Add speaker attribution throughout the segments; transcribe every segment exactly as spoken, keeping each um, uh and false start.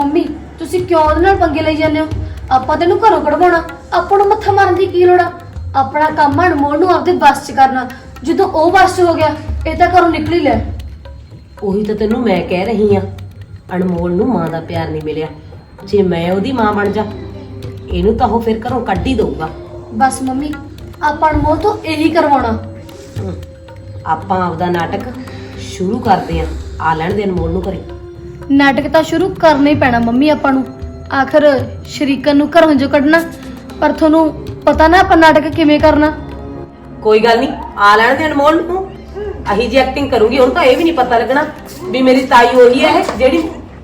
Speaker 1: Mummy ਤੁਸੀਂ ਕਿਉਂ ਉਹਦੇ ਨਾਲ ਪੰਗੇ ਲਈ ਜਾਂਦੇ ਹੋ? ਆਪਾਂ ਤੈਨੂੰ ਘਰੋਂ ਕਢਵਾਉਣਾ, ਆਪਾਂ ਨੂੰ ਮੱਥਾ ਮਾਰਨ ਦੀ ਕੀ ਲੋੜ ਆ? ਆਪਣਾ ਕੰਮ ਅਨਮੋਲ ਨੂੰ ਆਪਦੇ ਬਸ 'ਚ ਕਰਨਾ। ਜਦੋਂ ਉਹ ਬਸ 'ਚ ਹੋ ਗਿਆ ਇਹ ਤਾਂ ਘਰੋਂ ਨਿਕਲ ਹੀ ਲੈ।
Speaker 2: ਉਹੀ ਤਾਂ ਤੈਨੂੰ ਮੈਂ ਕਹਿ ਰਹੀ ਆ, ਅਨਮੋਲ ਨੂੰ ਮਾਂ ਦਾ ਪਿਆਰ ਨਹੀਂ ਮਿਲਿਆ। ਜੇ ਮੈਂ ਉਹਦੀ ਮਾਂ ਬਣ ਜਾ ਇਹਨੂੰ ਤਾਂ ਉਹ ਫਿਰ ਘਰੋਂ ਕੱਢ ਹੀ ਦਊਗਾ।
Speaker 1: ਬਸ ਮੰਮੀ ਆਪਾਂ ਅਨਮੋਲ ਤੋਂ ਇਹੀ ਕਰਵਾਉਣਾ।
Speaker 2: ਆਪਾਂ ਆਪਦਾ ਨਾਟਕ ਸ਼ੁਰੂ ਕਰਦੇ ਆ, ਆ ਲੈਣ ਦੇ ਅਨਮੋਲ ਨੂੰ ਘਰੇ।
Speaker 1: ਨਾਟਕ ਤਾਂ ਸ਼ੁਰੂ ਕਰਨਾ ਹੀ ਪੈਣਾ ਮੰਮੀ ਆਪਾਂ ਨੂੰ। ਆਖਰ ਸ਼ਰੀਕਨ ਨੂੰ ਘਰੋਂ ਜੋ ਕੱਢਣਾ, ਪਰ ਤੁਹਾਨੂੰ ਪਤਾ ਨਾ ਆਪਾਂ ਨਾਟਕ ਕਿਵੇਂ ਕਰਨਾ।
Speaker 2: ਕੋਈ ਗੱਲ ਨਹੀਂ, ਆ ਲੈਣ ਦੇ ਅਨਮੋਲ ਨੂੰ। ਅਹੀ ਜੀ ਐਕਟਿੰਗ ਕਰੂੰਗੀ, ਹੁਣ ਤਾਂ ਇਹ ਵੀ ਨਹੀਂ ਪਤਾ ਲੱਗਣਾ ਵੀ ਮੇਰੀ ਤਾਈ ਉਹੀ ਹੈ ਜਿਹੜੀ।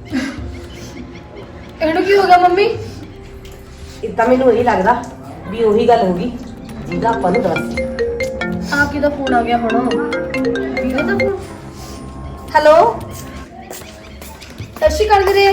Speaker 1: ਇਹਨੂੰ ਕੀ ਹੋ ਗਿਆ ਮੰਮੀ?
Speaker 2: ਇਹ ਤਾਂ ਮੈਨੂੰ ਇਹੀ ਲੱਗਦਾ ਵੀ ਉਹੀ ਗੱਲ ਹੋਗੀ ਜਿਹਦਾ ਆਪਾਂ ਨੂੰ ਦੱਸ।
Speaker 1: ਆ ਕਿਹਦਾ ਫੋਨ ਆ ਗਿਆ ਹੁਣ? ਵੀਰੇ ਦਾ ਫੋਨ। ਹੈਲੋ ਸਤਿ ਸ਼੍ਰੀ ਅਕਾਲ ਵੀਰੇ।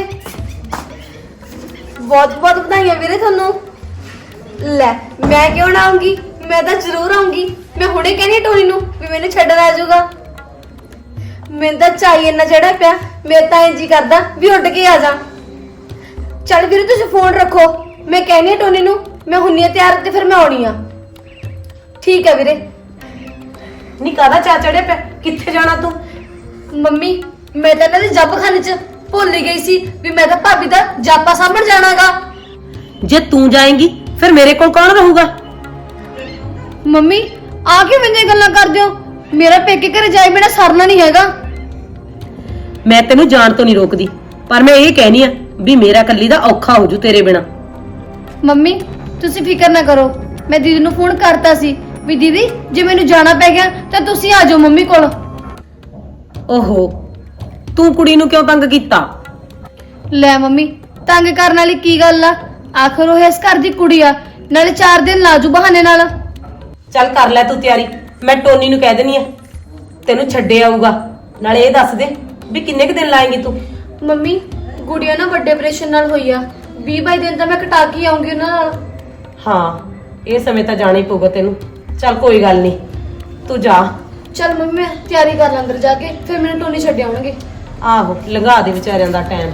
Speaker 1: ਬਹੁਤ ਬਹੁਤ ਵਧਾਈਆਂ ਵੀਰੇ ਤੁਹਾਨੂੰ। ਲੈ ਮੈਂ ਕਿਉਂ ਨਾ ਆਉਂਗੀ, ਮੈਂ ਤਾਂ ਜ਼ਰੂਰ ਆਉਂਗੀ। ਮੈਂ ਹੁਣੇ ਕਹਿੰਦੀ ਟੋਨੀ ਨੂੰ ਵੀ ਮੈਨੂੰ ਛੱਡਣ ਆ ਜਾਊਗਾ। ਮੈਨੂੰ ਤਾਂ ਚਾਹੀਏ ਨਾ ਜਿਹੜਾ ਪਿਆ, ਮੇਰੇ ਤਾਂ ਇੰਜ ਹੀ ਕਰਦਾ ਵੀ ਉੱਡ ਕੇ ਆ ਜਾ। ਚੱਲ ਵੀਰੇ ਤੁਸੀਂ ਫੋਨ ਰੱਖੋ, ਮੈਂ ਕਹਿੰਦੀ ਆ ਟੋਨੀ ਨੂੰ ਮੈਂ ਹੁੰਨੀ ਆ ਤਿਆਰ ਤੇ ਫਿਰ ਮੈਂ ਆਉਣੀ ਆ। ਠੀਕ ਹੈ ਵੀਰੇ।
Speaker 2: ਨਹੀਂ ਕਾਹਦਾ ਚਾ ਚੜਿਆ ਪਿਆ, ਕਿੱਥੇ ਜਾਣਾ ਤੂੰ?
Speaker 1: ਮੰਮੀ ਮੈਂ ਤਾਂ ਇਹਨਾਂ ਦੇ ਜੱਬਖਾਨੇ 'ਚ ਭੁੱਲ ਹੀ ਗਈ ਸੀ ਵੀ ਮੈਂ ਤਾਂ ਭਾਬੀ ਦਾ ਜਾਪਾ ਸਾਂਭਣ ਜਾਣਾਗਾ।
Speaker 2: ਜੇ ਤੂੰ ਜਾਏਂਗੀ ਫਿਰ ਮੇਰੇ ਕੋਲ ਕੌਣ ਰਹੂਗਾ?
Speaker 1: ਮੰਮੀ ਆ ਕੇ ਮੈਨੂੰ ਗੱਲਾਂ ਕਰਦੇ ਹੋ? ਮੇਰਾ ਪੇਕੇ ਘਰੇ ਜਾਏ ਬਿਨਾ ਸਰਨਾ ਨਹੀਂ ਹੈਗਾ।
Speaker 2: ਮੈਂ ਤੈਨੂੰ ਜਾਣ ਤੋਂ ਨਹੀਂ ਰੋਕਦੀ, ਪਰ ਮੈਂ ਇਹ ਕਹਿਨੀ ਆ ਵੀ ਮੇਰਾ ਕੱਲੀ ਦਾ ਔਖਾ ਹੋ ਜੂ ਤੇਰੇ ਬਿਨਾ।
Speaker 1: ਮੰਮੀ ਤੁਸੀਂ ਫਿਕਰ ਨਾ ਕਰੋ, ਮੈਂ ਦੀਦੀ ਨੂੰ ਫੋਨ ਕਰਤਾ ਸੀ ਵੀ ਦੀਦੀ ਜੇ ਮੈਨੂੰ ਜਾਣਾ ਪੈ ਗਿਆ ਤਾਂ ਤੁਸੀਂ ਆ ਜਾਓ ਮੰਮੀ ਕੋਲ।
Speaker 2: ਓਹੋ ਤੂੰ ਕੁੜੀ ਨੂੰ ਕਿਉਂ ਤੰਗ ਕੀਤਾ?
Speaker 1: ਲੈ ਮੰਮੀ ਤੰਗ ਕਰਨ ਵਾਲੀ ਕੀ ਗੱਲ ਆ? ਆਖਰ ਉਹ ਇਸ ਘਰ ਦੀ ਕੁੜੀ ਆ, ਨਾਲੇ ਚਾਰ ਦਿਨ ਲਾਜੂ ਬਹਾਨੇ ਨਾਲ।
Speaker 2: ਚੱਲ ਕਰ ਲੈ ਤੂੰ ਤਿਆਰੀ, ਮੈਂ ਟੋਨੀ ਨੂੰ ਕਹਿ ਦੇਣੀ ਆ ਤੈਨੂੰ ਛੱਡੇ ਆਊਗਾ। ਨਾਲੇ ਇਹ ਦੱਸ ਦੇ ਵੀ ਕਿੰਨੇ ਕੁ ਦਿਨ ਲਾਏਂਗੀ ਤੂੰ?
Speaker 1: ਮੰਮੀ ਗੁੜੀਆ ਨਾ ਵੱਡੇ ਆਪਰੇਸ਼ਨ ਨਾਲ ਹੋਈ ਆ, ਵੀਹ ਬਾਈ ਦਿਨ ਤਾਂ ਮੈਂ ਕਟਾ ਕੇ ਆਉਂਗੀ ਉਹਨਾਂ ਨਾਲ।
Speaker 2: ਹਾਂ ਇਹ ਸਮੇਂ ਤਾਂ ਜਾਣਾ ਹੀ ਪਊਗਾ ਤੈਨੂੰ। ਚੱਲ ਕੋਈ ਗੱਲ ਨਹੀਂ ਤੂੰ ਜਾ।
Speaker 1: ਚੱਲ ਮੰਮੀ ਮੈਂ ਤਿਆਰੀ ਕਰ ਲਾਂ ਅੰਦਰ ਜਾ ਕੇ, ਫਿਰ ਮੈਨੂੰ ਟੋਨੀ ਛੱਡ ਆਉਣਗੇ।
Speaker 2: ਆਹੋ ਲੰਘਾ ਦੇ ਵਿਚਾਰਿਆਂ ਦਾ ਟਾਈਮ।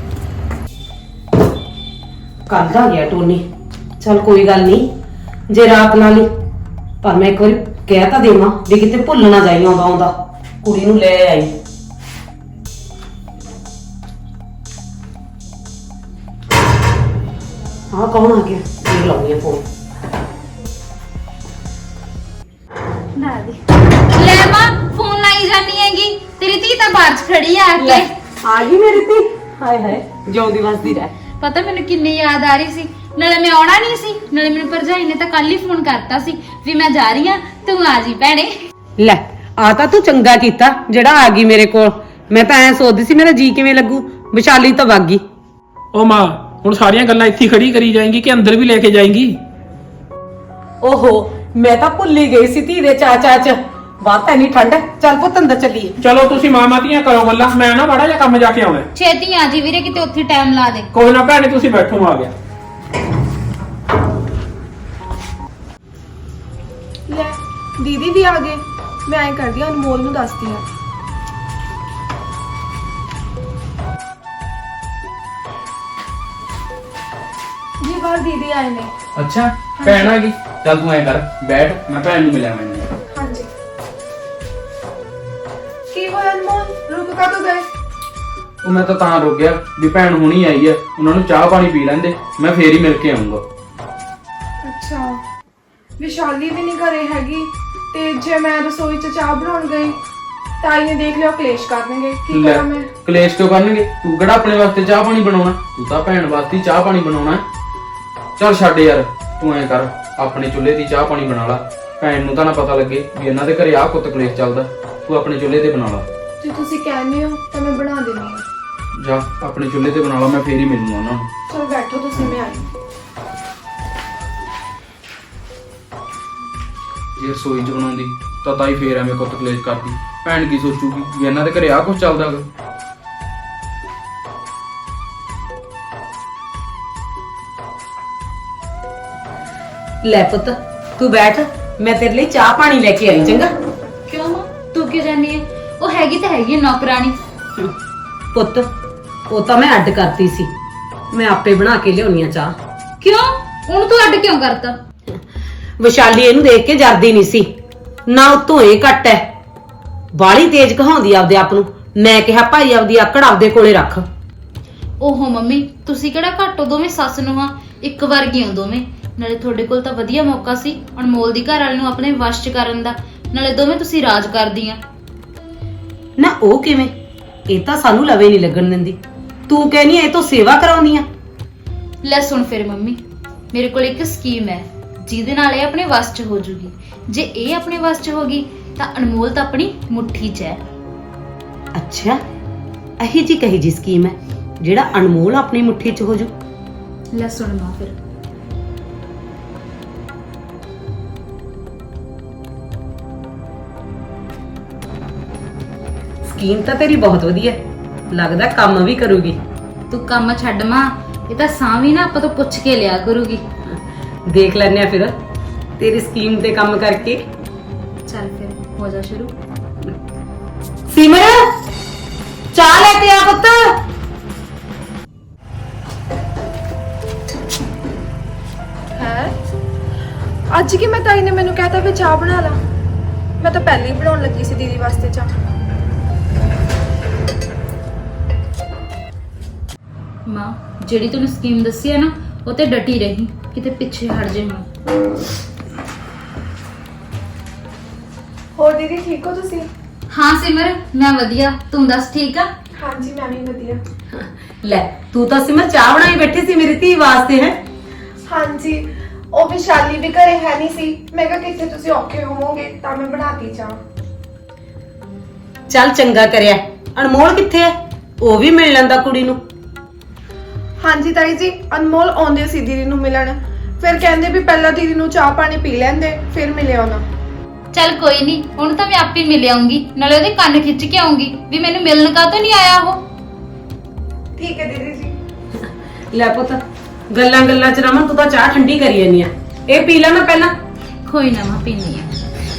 Speaker 2: ਕੱਲ ਆ ਗਿਆ ਟੋਨੀ। ਚੱਲ ਕੋਈ ਗੱਲ ਨਹੀਂ ਜੇ ਰਾਤ ਨਾਲ ਹੀ, ਪਰ ਮੈਂ ਇੱਕ ਵਾਰੀ ਕਹਿ ਤਾਂ ਦੇਵਾਂ ਵੀ ਕਿਤੇ ਭੁੱਲ ਨਾ ਜਾਈ ਆਉਂਦਾ ਆਉਂਦਾ ਕੁੜੀ ਨੂੰ ਲੈ ਆਈ। ਹਾਂ ਕੌਣ ਆ ਗਿਆ? ਦੇਖ ਲਾਉਂਗੀ ਫੋਨ।
Speaker 3: ਲੈ ਮਾਂ ਫੋਨ ਲਾਈ ਜਾਨੀ ਹੈਗੀ, ਤੇਰੀ ਧੀ ਤਾਂ ਬਾਹਰ ਚ ਖੜੀ ਆ ਕੇ।
Speaker 2: ਆ ਗਈ ਮੇਰੀ ਧੀ। ਹਾਏ ਹਾਏ ਜਿਉਂਦੀ ਵਸਦੀ ਰਹਿ।
Speaker 3: ਪਤਾ ਮੈਨੂੰ ਕਿੰਨੀ ਯਾਦ ਆ ਰਹੀ ਸੀ, ਨਾਲੇ ਮੈਂ ਆਉਣਾ ਨਹੀਂ ਸੀ, ਨਾਲੇ ਮੈਨੂੰ ਭਰਜਾਈ ਨੇ ਤਾਂ ਕੱਲ ਹੀ ਫੋਨ ਕਰਤਾ ਸੀ ਵੀ ਮੈਂ ਜਾ ਰਹੀ ਆ, ਤੂੰ ਆ ਜੀ ਭੈਣੇ।
Speaker 2: ਲੈ ਆ ਤਾਂ ਤੂੰ ਚੰਗਾ ਕੀਤਾ ਜਿਹੜਾ ਆ ਗਈ ਮੇਰੇ ਕੋਲ। ਮੈਂ ਤਾਂ ਐ ਸੋਚਦੀ ਸੀ ਮੇਰਾ ਜੀ ਕਿਵੇਂ ਲੱਗੂ, ਵਿਸ਼ਾਲੀ ਤਾਂ ਵਗ ਗਈ।
Speaker 4: ਉਹ ਮਾਂ ਹੁਣ ਸਾਰੀਆਂ ਗੱਲਾਂ ਇੱਥੇ ਖੜੀ ਕਰੀ ਜਾਏਂਗੀ ਕਿ ਅੰਦਰ ਵੀ ਲੈ ਕੇ ਜਾਏਂਗੀ?
Speaker 2: ਓਹੋ ਮੈਂ ਤਾਂ ਭੁੱਲ ਹੀ ਗਈ ਸੀ ਧੀ ਦੇ ਚਾਚਾ ਚ। ਬਾਤ ਤਾਂ ਨਹੀਂ ਠੰਡ। ਚੱਲ ਪੁੱਤ ਅੰਦਰ ਚੱਲੀਏ।
Speaker 4: ਚਲੋ ਤੁਸੀਂ ਮਾਮਾ ਧੀਆਂ ਕਰੋ ਗੱਲਾਂ, ਮੈਂ ਨਾ ਮਾੜਾ ਜਿਹਾ ਕੰਮ ਜਾ ਕੇ ਆਉਣਾ।
Speaker 3: ਛੇਤੀ ਆ ਜੀ ਵੀਰੇ, ਕਿਤੇ ਉੱਥੇ ਟਾਈਮ ਲਾ ਦੇ।
Speaker 4: ਕੋਈ ਨਾ ਭੈਣੇ ਤੁਸੀਂ ਬੈਠੋ, ਮੈਂ ਆ ਗਿਆ।
Speaker 5: ਲੈ ਦੀਦੀ ਵੀ ਆ ਗਏ। ਮੈਂ ਐਂ ਕਰਦੀ ਆ ਅਨਮੋਲ ਨੂੰ ਦੱਸਦੀ ਆ। ਜੀ ਬਾਹਰ ਦੀਦੀ ਆਏ ਨੇ।
Speaker 4: ਅੱਛਾ ਭੈਣ ਆ ਗਈ, ਚੱਲ ਤੂੰ ਐ ਕਰ ਬੈਠ, ਮੈਂ ਭੈਣ ਨੂੰ ਮਿਲਿਆ ਮੈਨੂੰ।
Speaker 5: ਹਾਂਜੀ ਕੀ ਹੋਇਆ ਅਨਮੋਲ, ਰੁਕ ਕਾ ਤੋ ਗਏ?
Speaker 4: ਉਹ ਮੈਂ ਤਾਂ ਤਾਂ ਰੁਕ ਗਿਆ ਵੀ ਭੈਣ ਹੁਣੀ ਆਈ ਆ, ਉਹਨਾਂ ਨੂੰ ਚਾਹ ਪਾਣੀ ਪੀ ਲੈਂਦੇ, ਮੈਂ ਫੇਰ ਹੀ ਮਿਲ ਕੇ ਆਉਂਗਾ।
Speaker 5: ਅੱਛਾ ਵਿਸ਼ਾਲੀ ਵੀ ਨਹੀਂ ਘਰੇ ਹੈਗੀ, ਤੇ ਜੇ ਮੈਂ ਰਸੋਈ 'ਚ ਚਾਹ ਬਣਾਉਣ ਗਈ ਤਾਈ ਨੇ ਦੇਖ ਲਿਆ ਕਲੇਸ਼ ਕਰਨਗੇ। ਕੀ ਕਰਾਂ ਮੈਂ?
Speaker 4: ਕਲੇਸ਼ ਕਿਉਂ ਕਰਨਗੇ? ਤੂੰ ਕਿਹੜਾ ਆਪਣੇ ਵਾਸਤੇ ਚਾਹ ਪਾਣੀ ਬਣਾਉਣਾ, ਤੂੰ ਤਾਂ ਭੈਣ ਵਾਸਤੇ ਚਾਹ ਪਾਣੀ ਬਣਾਉਣਾ। ਚੱਲ ਛੱਡ ਯਾਰ, ਤੂੰ ਐਂ ਕਰ ਆਪਣੇ ਚੁੱਲ੍ਹੇ ਦੀ ਚਾਹ ਪਾਣੀ ਬਣਾ ਲਾ, ਭੈਣ ਨੂੰ ਤਾਂ ਨਾ ਪਤਾ ਲੱਗੇ ਵੀ ਇਹਨਾਂ ਦੇ ਘਰੇ ਆਹ ਕੁੱਤ ਕਲੇਸ਼ ਚੱਲਦਾ। ਤੂੰ ਆਪਣੇ ਚੁੱਲ੍ਹੇ ਤੇ ਬਣਾ ਲਾ।
Speaker 5: ਜੇ ਤੁਸੀਂ ਕਹਿੰਦੇ ਹੋ ਤਾਂ ਮੈਂ ਬਣਾ ਦਿੰਦੀ ਹਾਂ।
Speaker 4: ਜਾ ਆਪਣੇ ਚੁੱਲ੍ਹੇ ਤੇ ਬਣਾ ਲਾ, ਮੈਂ ਫੇਰ ਹੀ ਮਿਲੂੰਗਾ ਉਹਨਾਂ ਨੂੰ।
Speaker 5: ਚਲ ਬੈਠੋ ਤੁਸੀਂ, ਮੈਂ ਆਈ।
Speaker 4: ਜੇ ਰਸੋਈ 'ਚ ਬਣਾਉਂਦੀ ਤਾਂ ਤਾਈ ਫੇਰ ਐਵੇਂ ਕੁੱਤ ਕਲੇਸ਼ ਕਰਦੀ। ਭੈਣ ਕੀ ਸੋਚੂਗੀ ਵੀ ਇਹਨਾਂ ਦੇ ਘਰੇ ਆਹ ਕੁਝ ਚੱਲਦਾ ਗਾ।
Speaker 2: ਲੈ ਪੁੱਤ ਤੂੰ ਬੈਠ, ਮੈਂ ਤੇਰੇ ਲਈ ਚਾਹ ਪਾਣੀ ਲੈ ਕੇ ਆਈ। ਚੰਗਾ
Speaker 3: ਕਿਉਂ ਮਾਂ ਤੂੰ ਕਿਉਂ ਜਾਨੀ ਹੈ? ਉਹ ਹੈਗੀ ਤਾਂ ਹੈਗੀ ਨੌਕਰਾਨੀ।
Speaker 2: ਪੁੱਤ ਉਹ ਤਾਂ ਮੈਂ ਅੱਡ ਕਰਤੀ ਸੀ, ਮੈਂ ਆਪੇ ਬਣਾ ਕੇ ਲਿਆਉਣੀ ਆ ਚਾਹ।
Speaker 3: ਕਿਉਂ? ਉਹਨੂੰ ਤੂੰ ਅੱਡ ਕਿਉਂ ਕਰਤਾ?
Speaker 2: ਵਿਸ਼ਾਲੀ ਇਹਨੂੰ ਦੇਖ ਕੇ ਜਰਦੀ ਨਹੀਂ ਸੀ, ਨਾ ਉਤੋਂ ਇਹ ਘੱਟ ਐ, ਬਾਲੀ ਤੇਜ਼ ਕਹਾਉਂਦੀ ਆਪਦੇ ਆਪ ਨੂੰ। ਮੈਂ ਕਿਹਾ ਭਾਈ ਆਪਦੀ ਆਕੜ ਆਪਦੇ ਕੋਲੇ ਰੱਖ।
Speaker 3: ਓਹੋ ਮੰਮੀ, ਤੁਸੀਂ ਕਿਹੜਾ ਘੱਟੋ, ਦੋਵੇਂ ਸੱਸ ਨੂੰ ਹਾਂ, ਇੱਕ ਵਰਗੀ ਹੋ ਦੋਵੇਂ। ਨਾਲੇ ਤੁਹਾਡੇ ਕੋਲ ਤਾਂ ਵਧੀਆ ਮੌਕਾ ਸੀ ਅਨਮੋਲ ਦੀ ਘਰ ਵਾਲੇ ਨੂੰ ਆਪਣੇ ਵਸ਼ ਚ ਕਰਨ ਦਾ, ਨਾਲੇ ਦੋਵੇਂ ਤੁਸੀਂ ਰਾਜ ਕਰਦੀਆਂ।
Speaker 2: ਨਾ ਉਹ ਕਿਵੇਂ? ਇਹ ਤਾਂ ਸਾਨੂੰ ਲਵੇ ਨਹੀਂ ਲੱਗਣ ਦਿੰਦੀ। ਤੂੰ ਕਹਿਨੀ ਇਹ ਤੋਂ ਸੇਵਾ ਕਰਾਉਣੀ ਆ।
Speaker 3: ਲੈ ਸੁਣ ਫਿਰ ਮੰਮੀ, ਮੇਰੇ ਕੋਲ ਇੱਕ ਸਕੀਮ ਹੈ ਜਿਹਦੇ ਨਾਲ ਇਹ ਆਪਣੇ ਵਸ ਚ ਹੋ ਜੂਗੀ। ਜੇ ਇਹ ਆਪਣੇ ਵਸ ਚ ਹੋ ਗਈ ਤਾਂ ਅਨਮੋਲ ਤਾਂ ਆਪਣੀ ਮੁੱਠੀ ਚ ਹੈ।
Speaker 2: ਅੱਛਾ, ਇਹੀ ਜੀ ਕਹੀ ਜੀ ਸਕੀਮ ਹੈ ਜਿਹੜਾ ਅਨਮੋਲ ਆਪਣੀ ਮੁੱਠੀ 'ਚ ਹੋ ਜੂ?
Speaker 3: ਲੈ ਸੁਣ ਮਾਂ ਫਿਰ।
Speaker 2: ਸਕੀਮ ਤਾਂ ਤੇਰੀ ਬਹੁਤ ਵਧੀਆ, ਲੱਗਦਾ ਕੰਮ ਵੀ ਕਰੂਗੀ।
Speaker 3: ਤੂੰ ਕੰਮ ਛੱਡ ਮਾਂ, ਇਹ ਤਾਂ ਸਾਂ ਵੀ ਨਾ ਆਪਾਂ ਤੋਂ ਪੁੱਛ ਕੇ ਲਿਆ ਕਰੂਗੀ।
Speaker 2: ਦੇਖ ਲੈਨੇ ਆ ਫਿਰ ਤੇਰੀ ਸਕੀਮ ਤੇ ਕੰਮ ਕਰਕੇ।
Speaker 3: ਚੱਲ ਫਿਰ ਹੋ ਜਾ ਸ਼ੁਰੂ।
Speaker 2: ਸਿਮਰ, ਚਾਹ ਲੈ ਕੇ ਆ ਪੁੱਤ।
Speaker 5: ਹੈ ਅੱਜ ਕੀ ਮੈਂ ਤਾਈ ਨੇ ਮੈਨੂੰ ਕਹਿਤਾ ਵੀ ਚਾਹ ਬਣਾ ਲਾ। ਮੈਂ ਤਾਂ ਪਹਿਲੇ ਹੀ ਬਣਾਉਣ ਲੱਗੀ ਸੀ ਦੀਦੀ ਵਾਸਤੇ ਚਾਹ।
Speaker 3: ਮਾਂ, ਜਿਹੜੀ ਤੈਨੂੰ ਸਕੀਮ ਦੱਸੀ ਹੈ ਨਾ, ਉਹ ਤੇ ਡਟੀ ਰਹੀ, ਕਿਤੇ ਪਿੱਛੇ ਹਟ ਜੇ ਹੁਣ।
Speaker 5: ਹੋਰ ਦੀਦੀ ਠੀਕ ਹੋ ਤੁਸੀਂ?
Speaker 3: ਹਾਂ ਸਿਮਰ, ਮੈਂ ਵਧੀਆ, ਤੂੰ ਦੱਸ ਠੀਕ ਆ?
Speaker 5: ਹਾਂਜੀ ਮੈਂ ਵੀ ਵਧੀਆ।
Speaker 2: ਲੈ ਤੂੰ ਤਾਂ ਸਿਮਰ ਚਾਹ ਬਣਾਈ ਬੈਠੀ ਸੀ ਮੇਰੀ ਧੀ ਵਾਸਤੇ ਹੈ।
Speaker 5: ਹਾਂਜੀ, ਉਹ ਵਿਸ਼ਾਲੀ ਵੀ ਘਰੇ ਹੈ ਨਹੀਂ ਸੀ। ਮੈਂ ਕਿਹਾ ਕਿਤੇ ਤੁਸੀਂ ਔਖੇ ਹੋਵੋਗੇ ਤਾਂ ਮੈਂ ਬਣਾਤੀ ਚਾਹ।
Speaker 2: ਚੱਲ ਚੰਗਾ ਕਰਿਆ। ਅਨਮੋਲ ਕਿੱਥੇ ਹੈ? ਉਹ ਵੀ ਮਿਲ ਲੈਂਦਾ ਕੁੜੀ ਨੂੰ।
Speaker 5: ਹਾਂਜੀ ਤਾਈ ਜੀ, ਅਨਮੋਲ ਆਉਂਦੇ ਸੀ ਦੀਦੀ ਨੂੰ ਮਿਲਣ, ਫਿਰ ਕਹਿੰਦੇ ਵੀ ਪਹਿਲਾਂ ਦੀਦੀ ਨੂੰ ਚਾਹ ਪਾਣੀ ਪੀ ਲੈਂਦੇ ਫਿਰ ਮਿਲੇ ਉਹਨਾਂ।
Speaker 3: ਚੱਲ ਕੋਈ ਨਹੀਂ, ਹੁਣ ਤਾਂ ਮੈਂ ਆਪੇ ਮਿਲ ਆਉਂਗੀ, ਨਾਲੇ ਉਹਦੇ ਕੰਨ ਖਿੱਚ ਕੇ ਆਉਂਗੀ ਵੀ ਮੈਨੂੰ ਮਿਲਣ ਕਾਹਤੋਂ ਨਹੀਂ ਆਇਆ ਉਹ।
Speaker 5: ਠੀਕ ਹੈ ਦੀਦੀ ਜੀ।
Speaker 2: ਲੈ ਪੁੱਤ, ਗੱਲਾਂ ਗੱਲਾਂ ਚ ਰਮਨ ਤੂੰ ਤਾਂ ਚਾਹ ਠੰਡੀ ਕਰੀ ਜਾਨੀ ਆ। ਇਹ ਪੀ ਲੈ ਮੈਂ ਪਹਿਲਾਂ।
Speaker 3: ਕੋਈ ਨਾ ਮੈਂ ਪੀਣੀ ਆ।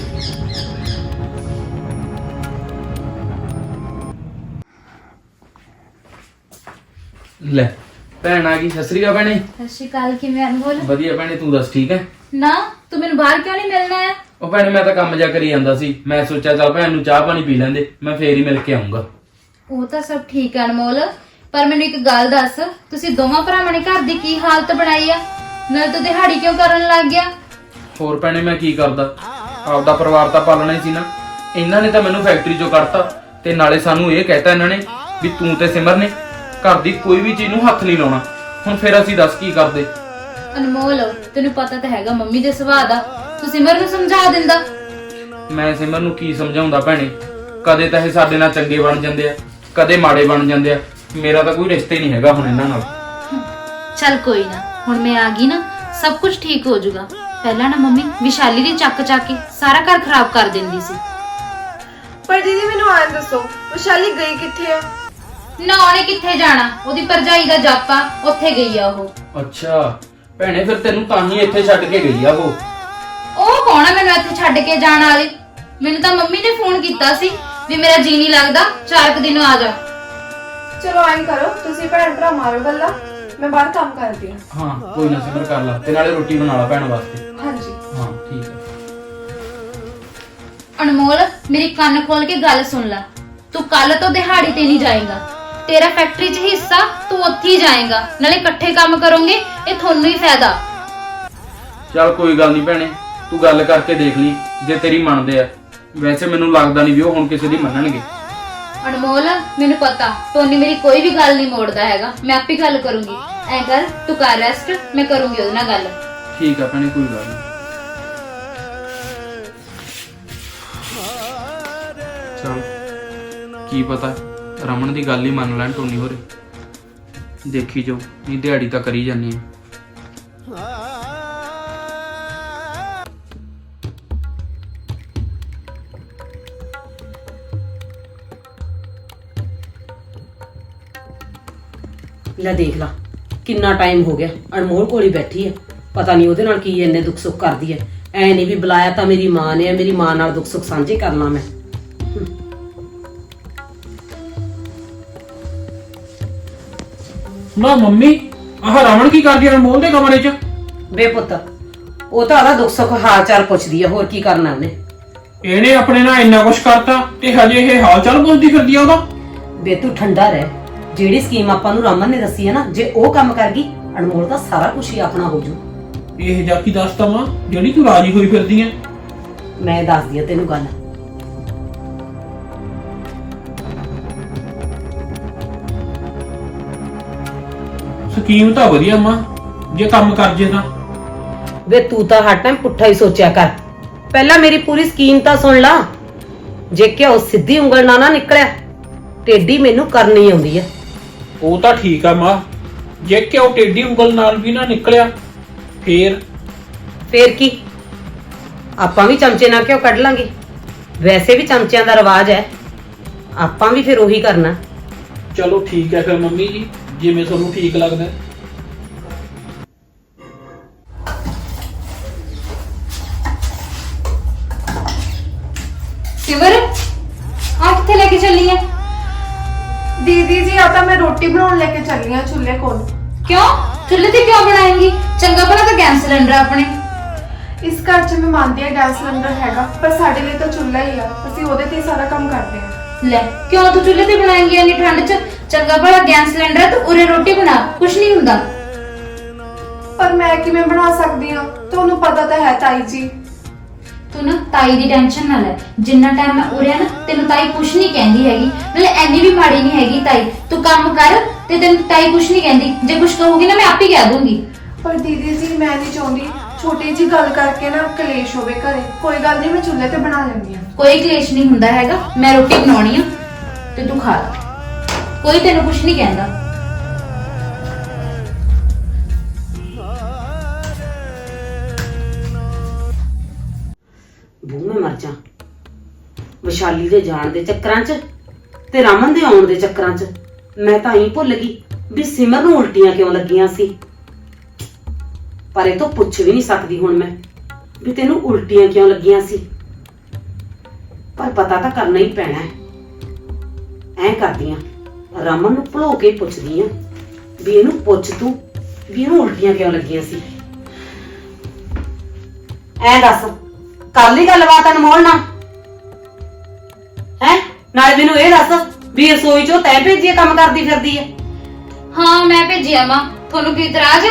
Speaker 4: ਲੈ ਭੈਣ ਆ ਗਈ। ਸਤਿ ਸ੍ਰੀ ਅਕਾਲ ਭੈਣੇ।
Speaker 3: ਸਤਿ ਸ਼੍ਰੀ ਅਕਾਲ, ਕਿਵੇਂ ਅਨਮੋਲ?
Speaker 4: ਵਧੀਆ ਭੈਣੇ, ਤੂੰ ਦੱਸ ਠੀਕ ਹੈ?
Speaker 3: ਨਾ ਤੂੰ ਮੈਨੂੰ ਬਾਹਰ ਕਿਉਂ ਨਹੀਂ ਮਿਲਣਾ ਆ?
Speaker 4: ਉਹ ਭੈਣੇ ਮੈਂ ਤਾਂ ਕੰਮ ਜਾ ਕਰੀ ਜਾਂਦਾ ਸੀ, ਮੈਂ ਸੋਚਿਆ ਚੱਲ ਭੈਣ ਨੂੰ ਚਾਹ ਪਾਣੀ ਪੀ ਲੈਂਦੇ, ਮੈਂ ਫੇਰ ਹੀ ਮਿਲ ਕੇ ਆਉਂਗਾ।
Speaker 3: ਉਹ ਤਾਂ ਸਭ ਠੀਕ ਹੈ ਅਨਮੋਲ, ਪਰ ਮੈਨੂੰ ਇੱਕ ਗੱਲ ਦੱਸ, ਤੁਸੀਂ ਦੋਵਾਂ ਭਰਾਵਾਂ ਨੇ ਘਰ ਦੀ ਕੀ ਹਾਲਤ ਬਣਾਈ ਆ? ਨਾਲ ਤੂੰ ਦਿਹਾੜੀ ਕਿਉਂ ਕਰਨ ਲੱਗ ਗਿਆ?
Speaker 4: ਹੋਰ ਭੈਣੇ ਮੈਂ ਕੀ ਕਰਦਾ, ਆਪਦਾ ਪਰਿਵਾਰ ਤਾਂ ਪਾਲਣਾ ਹੀ ਸੀ ਨਾ। ਇਹਨਾਂ ਨੇ ਤਾਂ ਮੈਨੂੰ ਫੈਕਟਰੀ ਚੋਂ ਕੱਢਤਾ, ਤੇ ਨਾਲੇ ਸਾਨੂੰ ਇਹ ਕਹਿਤਾ ਇਹਨਾਂ ਨੇ ਵੀ ਤੂੰ ਤੇ ਸਿਮਰ ਨੇ ਘਰ ਦੀ ਕੋਈ ਵੀ ਚੀਜ਼ ਨੂੰ ਹੱਥ ਨਹੀਂ ਲਾਉਣਾ। ਹੁਣ ਫੇਰ ਅਸੀਂ ਦੱਸ ਕੀ ਕਰਦੇ?
Speaker 3: ਅਨਮੋਲ, ਤੈਨੂੰ ਪਤਾ ਤਾਂ ਹੈਗਾ ਮੰਮੀ ਦੇ ਸੁਭਾਅ ਦਾ, ਤੂੰ ਸਿਮਰ ਨੂੰ ਸਮਝਾ ਦਿੰਦਾ।
Speaker 4: ਮੈਂ ਸਿਮਰ ਨੂੰ ਕੀ ਸਮਝਾਉਂਦਾ ਭੈਣੇ, ਕਦੇ ਤਾਂ ਇਹ ਸਾਡੇ ਨਾਲ ਚੰਗੇ ਬਣ ਜਾਂਦੇ ਆ, ਕਦੇ ਮਾੜੇ ਬਣ ਜਾਂਦੇ ਆ। ਮੇਰਾ ਤਾਂ ਕੋਈ ਰਿਸ਼ਤਾ ਹੀ ਨਹੀਂ ਹੈਗਾ ਹੁਣ ਇਹਨਾਂ ਨਾਲ।
Speaker 3: ਚੱਲ ਕੋਈ ਨਾ, ਹੁਣ ਮੈਂ ਆ ਗਈ ਨਾ, ਸਭ ਕੁਝ ਠੀਕ ਹੋ ਜਾਊਗਾ। ਪਹਿਲਾਂ ਨਾ ਮੰਮੀ ਵਿਸ਼ਾਲੀ ਦੀ ਚੱਕ ਚੱਕ ਕੇ ਸਾਰਾ ਘਰ ਖਰਾਬ ਕਰ ਦਿੰਦੀ ਸੀ।
Speaker 5: ਪਰ ਦੀਦੀ ਮੈਨੂੰ ਆਏ ਦੱਸੋ, ਵਿਸ਼ਾਲੀ ਗਈ ਕਿੱਥੇ ਹੈ?
Speaker 3: ਨਾ ਉਹਨੇ ਕਿੱਥੇ ਜਾਣਾ, ਉਹਦੀ ਭਰਜਾਈ ਦਾ ਜਾਪਾ, ਉੱਥੇ ਗਈ ਆ ਉਹ।
Speaker 4: ਅੱਛਾ ਭੈਣੇ, ਫਿਰ ਤੈਨੂੰ ਤਾਂ ਹੀ ਇੱਥੇ ਛੱਡ ਕੇ ਗਈ ਆ ਉਹ।
Speaker 3: ਉਹ ਕੌਣ ਆ ਮੈਨੂੰ ਇੱਥੇ ਛੱਡ ਕੇ ਜਾਣ ਵਾਲੀ? ਮੈਨੂੰ ਤਾਂ ਮੰਮੀ ਨੇ ਫੋਨ ਕੀਤਾ ਸੀ ਵੀ ਮੇਰਾ ਜੀ ਨਹੀਂ ਲੱਗਦਾ, ਚਾਰ ਕੁ ਦਿਨ ਆ ਜਾ।
Speaker 5: ਚਲੋ ਆਈ ਕਰੋ, ਤੁਸੀਂ ਭੈਣ ਭਰਾ ਮਾਰੋ ਗੱਲਾਂ, ਮੈਂ ਬਾਹਰ ਕੰਮ ਕਰਦੀ ਹਾਂ।
Speaker 4: ਹਾਂ ਕੋਈ ਨਾ ਸਿਮਰ, ਕਰ ਲਾ, ਤੇ ਨਾਲੇ ਰੋਟੀ ਬਣਾ ਲਾ ਭੈਣ ਵਾਸਤੇ।
Speaker 5: ਹਾਂਜੀ
Speaker 4: ਹਾਂ ਠੀਕ ਹੈ।
Speaker 3: ਅਨਮੋਲ, ਮੇਰੀ ਕੰਨ ਖੋਲ ਕੇ ਗੱਲ ਸੁਣ ਲੈ, ਤੂੰ ਕੱਲ ਤੋਂ ਦਿਹਾੜੀ ਤੇ ਨਹੀਂ ਜਾਏਗਾ। ਤੇਰਾ ਫੈਕਟਰੀ 'ਚ ਹਿੱਸਾ, ਤੂੰ ਉੱਥੇ ਹੀ ਜਾਏਗਾ, ਨਾਲੇ ਇਕੱਠੇ ਕੰਮ ਕਰੋਗੇ, ਇਹ ਤੁਹਾਨੂੰ ਹੀ ਫਾਇਦਾ।
Speaker 4: ਚੱਲ ਕੋਈ ਗੱਲ ਨਹੀਂ ਭੈਣੇ, ਤੂੰ ਗੱਲ ਕਰਕੇ ਦੇਖ ਲਈ, ਜੇ ਤੇਰੀ ਮੰਨਦੇ ਆ। ਵੈਸੇ ਮੈਨੂੰ ਲੱਗਦਾ ਨਹੀਂ ਵੀ ਉਹ ਹੁਣ ਕਿਸੇ ਦੀ ਮੰਨਣਗੇ।
Speaker 3: ਅਨਮੋਲ, ਮੈਨੂੰ ਪਤਾ ਟੋਨੀ ਮੇਰੀ ਕੋਈ ਵੀ ਗੱਲ ਨਹੀਂ ਮੋੜਦਾ ਹੈਗਾ, ਮੈਂ ਆਪੇ ਗੱਲ ਕਰੂੰਗੀ। ਐ ਕਰ, ਤੂੰ ਕਰ ਰੈਸਟ, ਮੈਂ ਕਰੂੰਗੀ ਉਹਦੇ ਨਾਲ ਗੱਲ।
Speaker 4: ਠੀਕ ਆ ਭੈਣੇ, ਕੋਈ ਗੱਲ ਨਹੀਂ। ਚਲ ਕੀ ਪਤਾ ਰਮਨ ਦੀ ਗੱਲ ਹੀ ਮੰਨ ਲੈਣ ਟੋਨੀ ਹੋਰੇ। ਦੇਖੀ ਜੋ, ਇਹ ਦਿਹਾੜੀ ਤਾਂ ਕਰੀ ਜਾਂਦੀ ਆ।
Speaker 2: ਲੈ ਦੇਖ ਲਾ, ਕਿੰਨਾ ਟਾਈਮ ਹੋ ਗਿਆ ਅਨਮੋਲ ਕੋਲ ਹੀ ਬੈਠੀ ਹੈ। ਪਤਾ ਨਹੀਂ ਉਹਦੇ ਨਾਲ ਕੀ ਇੰਨੇ ਦੁੱਖ ਸੁੱਖ ਕਰਦੀ ਹੈ। ਐ ਨਹੀਂ ਵੀ ਬੁਲਾਇਆ ਤਾਂ ਮੇਰੀ ਮਾਂ ਨੇ, ਮੇਰੀ ਮਾਂ ਨਾਲ ਦੁੱਖ ਸੁੱਖ ਸਾਂਝੇ ਕਰਨਾ ਮੈਂ।
Speaker 4: ਨਾ ਮੰਮੀ, ਆਹ ਰਮਨ ਕੀ ਕਰਦੀ ਆ ਅਨਮੋਲ ਦੇ ਕਮਰੇ 'ਚ?
Speaker 2: ਬੇ ਪੁੱਤ, ਉਹ ਤਾਂ ਆਦਾ ਦੁੱਖ ਸੁੱਖ ਹਾਲ ਚਾਲ ਪੁੱਛਦੀ ਆ, ਹੋਰ ਕੀ ਕਰਨਾ ਉਹਨੇ।
Speaker 4: ਇਹਨੇ ਆਪਣੇ ਨਾਲ ਇੰਨਾ ਕੁਛ ਕਰਤਾ ਤੇ ਹਜੇ ਇਹ ਹਾਲ ਚਾਲ ਪੁੱਛਦੀ ਫਿਰਦੀ ਆ ਉਹਦਾ।
Speaker 2: ਬੇ ਤੂੰ ਠੰਡਾ ਰਹਿ। ਜਿਹੜੀ ਸਕੀਮ ਆਪਾਂ ਨੂੰ ਰਮਨ ਨੇ ਦੱਸੀ ਹੈ ਨਾ, ਜੇ ਉਹ ਕੰਮ ਕਰ ਗਈ ਅਨਮੋਲ ਦਾ ਸਾਰਾ ਕੁਝ ਹੀ ਆਪਣਾ ਹੋ ਜੂ।
Speaker 4: ਇਹ ਜਾ ਕੀ ਦੱਸਤਾ ਮਾਂ ਜਿਹੜੀ ਤੂੰ ਰਾਜੀ ਹੋਈ ਫਿਰਦੀ ਐ?
Speaker 2: ਮੈਂ ਦੱਸਦੀ ਆ ਤੈਨੂੰ ਗੱਲ।
Speaker 4: ਸਕੀਮ ਤਾਂ ਵਧੀਆ ਮਾਂ, ਜੇ ਕੰਮ ਕਰ ਜੇ ਤਾਂ।
Speaker 2: ਵੇ ਤੂੰ ਤਾਂ ਹਰ ਟਾਈਮ ਪੁੱਠਾ ਹੀ ਸੋਚਿਆ ਕਰ। ਪਹਿਲਾਂ ਮੇਰੀ ਪੂਰੀ ਸਕੀਮ ਤਾਂ ਸੁਣ ਲਾ। ਜੇ ਕਿਉਂ ਸਿੱਧੀ ਉਂਗਲ ਨਾਲ ਨਾ ਨਿਕਲਿਆ, ਟੇਢੀ ਮੈਨੂੰ ਕਰਨੀ ਆਉਂਦੀ ਹੈ।
Speaker 4: ਉਹ ਤਾਂ ਠੀਕ ਆ ਮਾਂ, ਜੇ ਕਿਉਂ ਟੇਢੀ ਉਂਗਲ ਨਾਲ ਵੀ ਨਾ ਨਿਕਲਿਆ ਫੇਰ?
Speaker 2: ਫੇਰ ਕੀ, ਆਪਾਂ ਵੀ ਚਮਚੇ ਨਾਲ ਕਿਉਂ ਕੱਢ ਲਾਂਗੇ। ਵੈਸੇ ਵੀ ਚਮਚਿਆਂ ਦਾ ਰਿਵਾਜ ਹੈ, ਆਪਾਂ ਵੀ ਫਿਰ ਉਹੀ ਕਰਨਾ।
Speaker 4: ਚਲੋ ਠੀਕ ਹੈ ਫਿਰ ਮੰਮੀ ਜੀ, ਜਿਵੇਂ ਤੁਹਾਨੂੰ ਠੀਕ ਲੱਗਦਾ।
Speaker 3: ਸਿਮਰ ਆ ਕਿੱਥੇ ਲੈ ਕੇ ਚੱਲੀ ਐ?
Speaker 5: ਦੀਦੀ ਜੀ ਆ ਤਾਂ ਮੈਂ ਰੋਟੀ ਬਣਾਉਣ ਲੈ ਕੇ ਚੱਲੀ ਆ ਚੁੱਲ੍ਹੇ ਕੋਲ।
Speaker 3: ਕਿਉਂ? ਚੁੱਲ੍ਹੇ ਤੇ ਕਿਉਂ ਬਣਾਏਂਗੀ? ਚੰਗਾ ਭਲਾ ਤਾਂ ਗੈਸ ਸਿਲੰਡਰ ਆ ਆਪਣੇ।
Speaker 5: ਇਸ ਘਰ 'ਚ ਮੈਂ ਮੰਨਦੀ ਆ ਗੈਸ ਸਿਲੰਡਰ ਹੈਗਾ, ਪਰ ਸਾਡੇ ਲਈ ਤਾਂ ਚੁੱਲ੍ਹਾ ਹੀ ਆ, ਅਸੀਂ ਉਹਦੇ ਤੇ ਹੀ ਸਾਰਾ ਕੰਮ ਕਰਦੇ ਆ।
Speaker 3: ਲੈ ਕਿਉਂ ਤੂੰ ਚੁੱਲ੍ਹੇ ਤੇ ਬਣਾਏਂਗੀ ਇੰਨੀ ਠੰਡ 'ਚ? ਚੰਗਾ ਭਲਾ ਗੈਸ ਸਿਲੰਡਰ ਆ, ਤੂੰ ਉਰੇ ਰੋਟੀ ਬਣਾ, ਕੁਛ ਨਹੀਂ ਹੁੰਦਾ।
Speaker 5: ਪਰ ਮੈਂ ਕਿਵੇਂ ਬਣਾ ਸਕਦੀ ਆ? ਤੁਹਾਨੂੰ ਪਤਾ ਤਾਂ ਹੈ ਤਾਈ ਜੀ।
Speaker 3: ਤੂੰ ਨਾ ਤਾਈ ਦੀ ਟੈਨਸ਼ਨ ਨਾ ਲੈ। ਜਿੰਨਾ ਟਾਈਮ ਮੈਂ ਉਰੇ ਆ ਨਾ, ਤੈਨੂੰ ਤਾਈ ਕੁਛ ਨਹੀਂ ਕਹਿੰਦੀ ਹੈਗੀ। ਨਾਲੇ ਐਨੀ ਵੀ ਮਾੜੀ ਨਹੀਂ ਹੈਗੀ ਤਾਈ। ਤੂੰ ਕੰਮ ਕਰ ਤੇ ਤੈਨੂੰ ਤਾਈ ਕੁਛ ਨਹੀਂ ਕਹਿੰਦੀ। ਜੇ ਕੁਛ ਕਹੂਗੀ ਨਾ ਮੈਂ ਆਪੇ ਕਹਿ ਦੂੰਗੀ।
Speaker 5: ਪਰ ਦੀਦੀ ਜੀ ਮੈਂ ਨਹੀਂ ਚਾਹੁੰਦੀ ਛੋਟੀ ਜੀ ਗੱਲ ਕਰਕੇ ਨਾ ਕਲੇਸ਼ ਹੋਵੇ ਘਰੇ। ਕੋਈ ਗੱਲ ਨਹੀਂ, ਮੈਂ ਚੁੱਲ੍ਹੇ ਤੇ ਬਣਾ ਲੈਂਦੀ ਆ।
Speaker 3: ਕੋਈ ਕਲੇਸ਼ ਨਹੀਂ ਹੁੰਦਾ ਹੈਗਾ। ਮੈਂ ਰੋਟੀ ਬਣਾਉਣੀ ਆ ਤੇ ਤੂੰ ਖਾ ਲੈ। ਕੋਈ ਤੈਨੂੰ ਕੁਛ ਨਹੀਂ ਕਹਿੰਦਾ।
Speaker 2: ਬੂ ਮੈਂ ਮਰ ਜਾ। ਵਿਸ਼ਾਲੀ ਦੇ ਜਾਣ ਦੇ ਚੱਕਰਾਂ 'ਚ ਤੇ ਰਮਨ ਦੇ ਆਉਣ ਦੇ ਚੱਕਰਾਂ 'ਚ ਮੈਂ ਤਾਂ ਹੀ ਭੁੱਲ ਗਈ ਵੀ ਸਿਮਰ ਨੂੰ ਉਲਟੀਆਂ ਕਿਉਂ ਲੱਗੀਆਂ ਸੀ। ਪਰ ਇਹ ਤੋਂ ਪੁੱਛ ਵੀ ਨਹੀਂ ਸਕਦੀ ਹੁਣ ਮੈਂ ਵੀ ਤੈਨੂੰ ਉਲਟੀਆਂ ਕਿਉਂ ਲੱਗੀਆਂ ਸੀ। ਪਰ ਪਤਾ ਤਾਂ ਕਰਨਾ ਹੀ ਪੈਣਾ ਹੈ। ਐਂ ਕਰਦੀ ਆਂ, ਰਮਨ ਨੂੰ ਭੁਲੋ ਕੇ ਪੁੱਛਦੀ ਆਂ ਵੀ ਇਹਨੂੰ ਪੁੱਛ ਤੂੰ ਵੀ ਇਹਨੂੰ ਉਲਟੀਆਂ ਕਿਉਂ ਲੱਗੀਆਂ ਸੀ। ਐਂ ਦੱਸ, ਕਰ ਲਈ ਗੱਲਬਾਤ ਅਨਮੋਲ ਨਾਲ? ਹੈ ਨਾਲੇ ਮੈਨੂੰ ਇਹ ਦੱਸ ਵੀ ਰਸੋਈ ਚੋਂ ਤੈਂ ਭੇਜੀ ਆ ਕੰਮ ਕਰਦੀ ਫਿਰਦੀ ਹੈ?
Speaker 3: ਹਾਂ ਮੈਂ ਭੇਜਿਆ ਮਾਂ। ਤੁਹਾਨੂੰ ਕੀ ਇਤਰਾਜ਼ ਆ?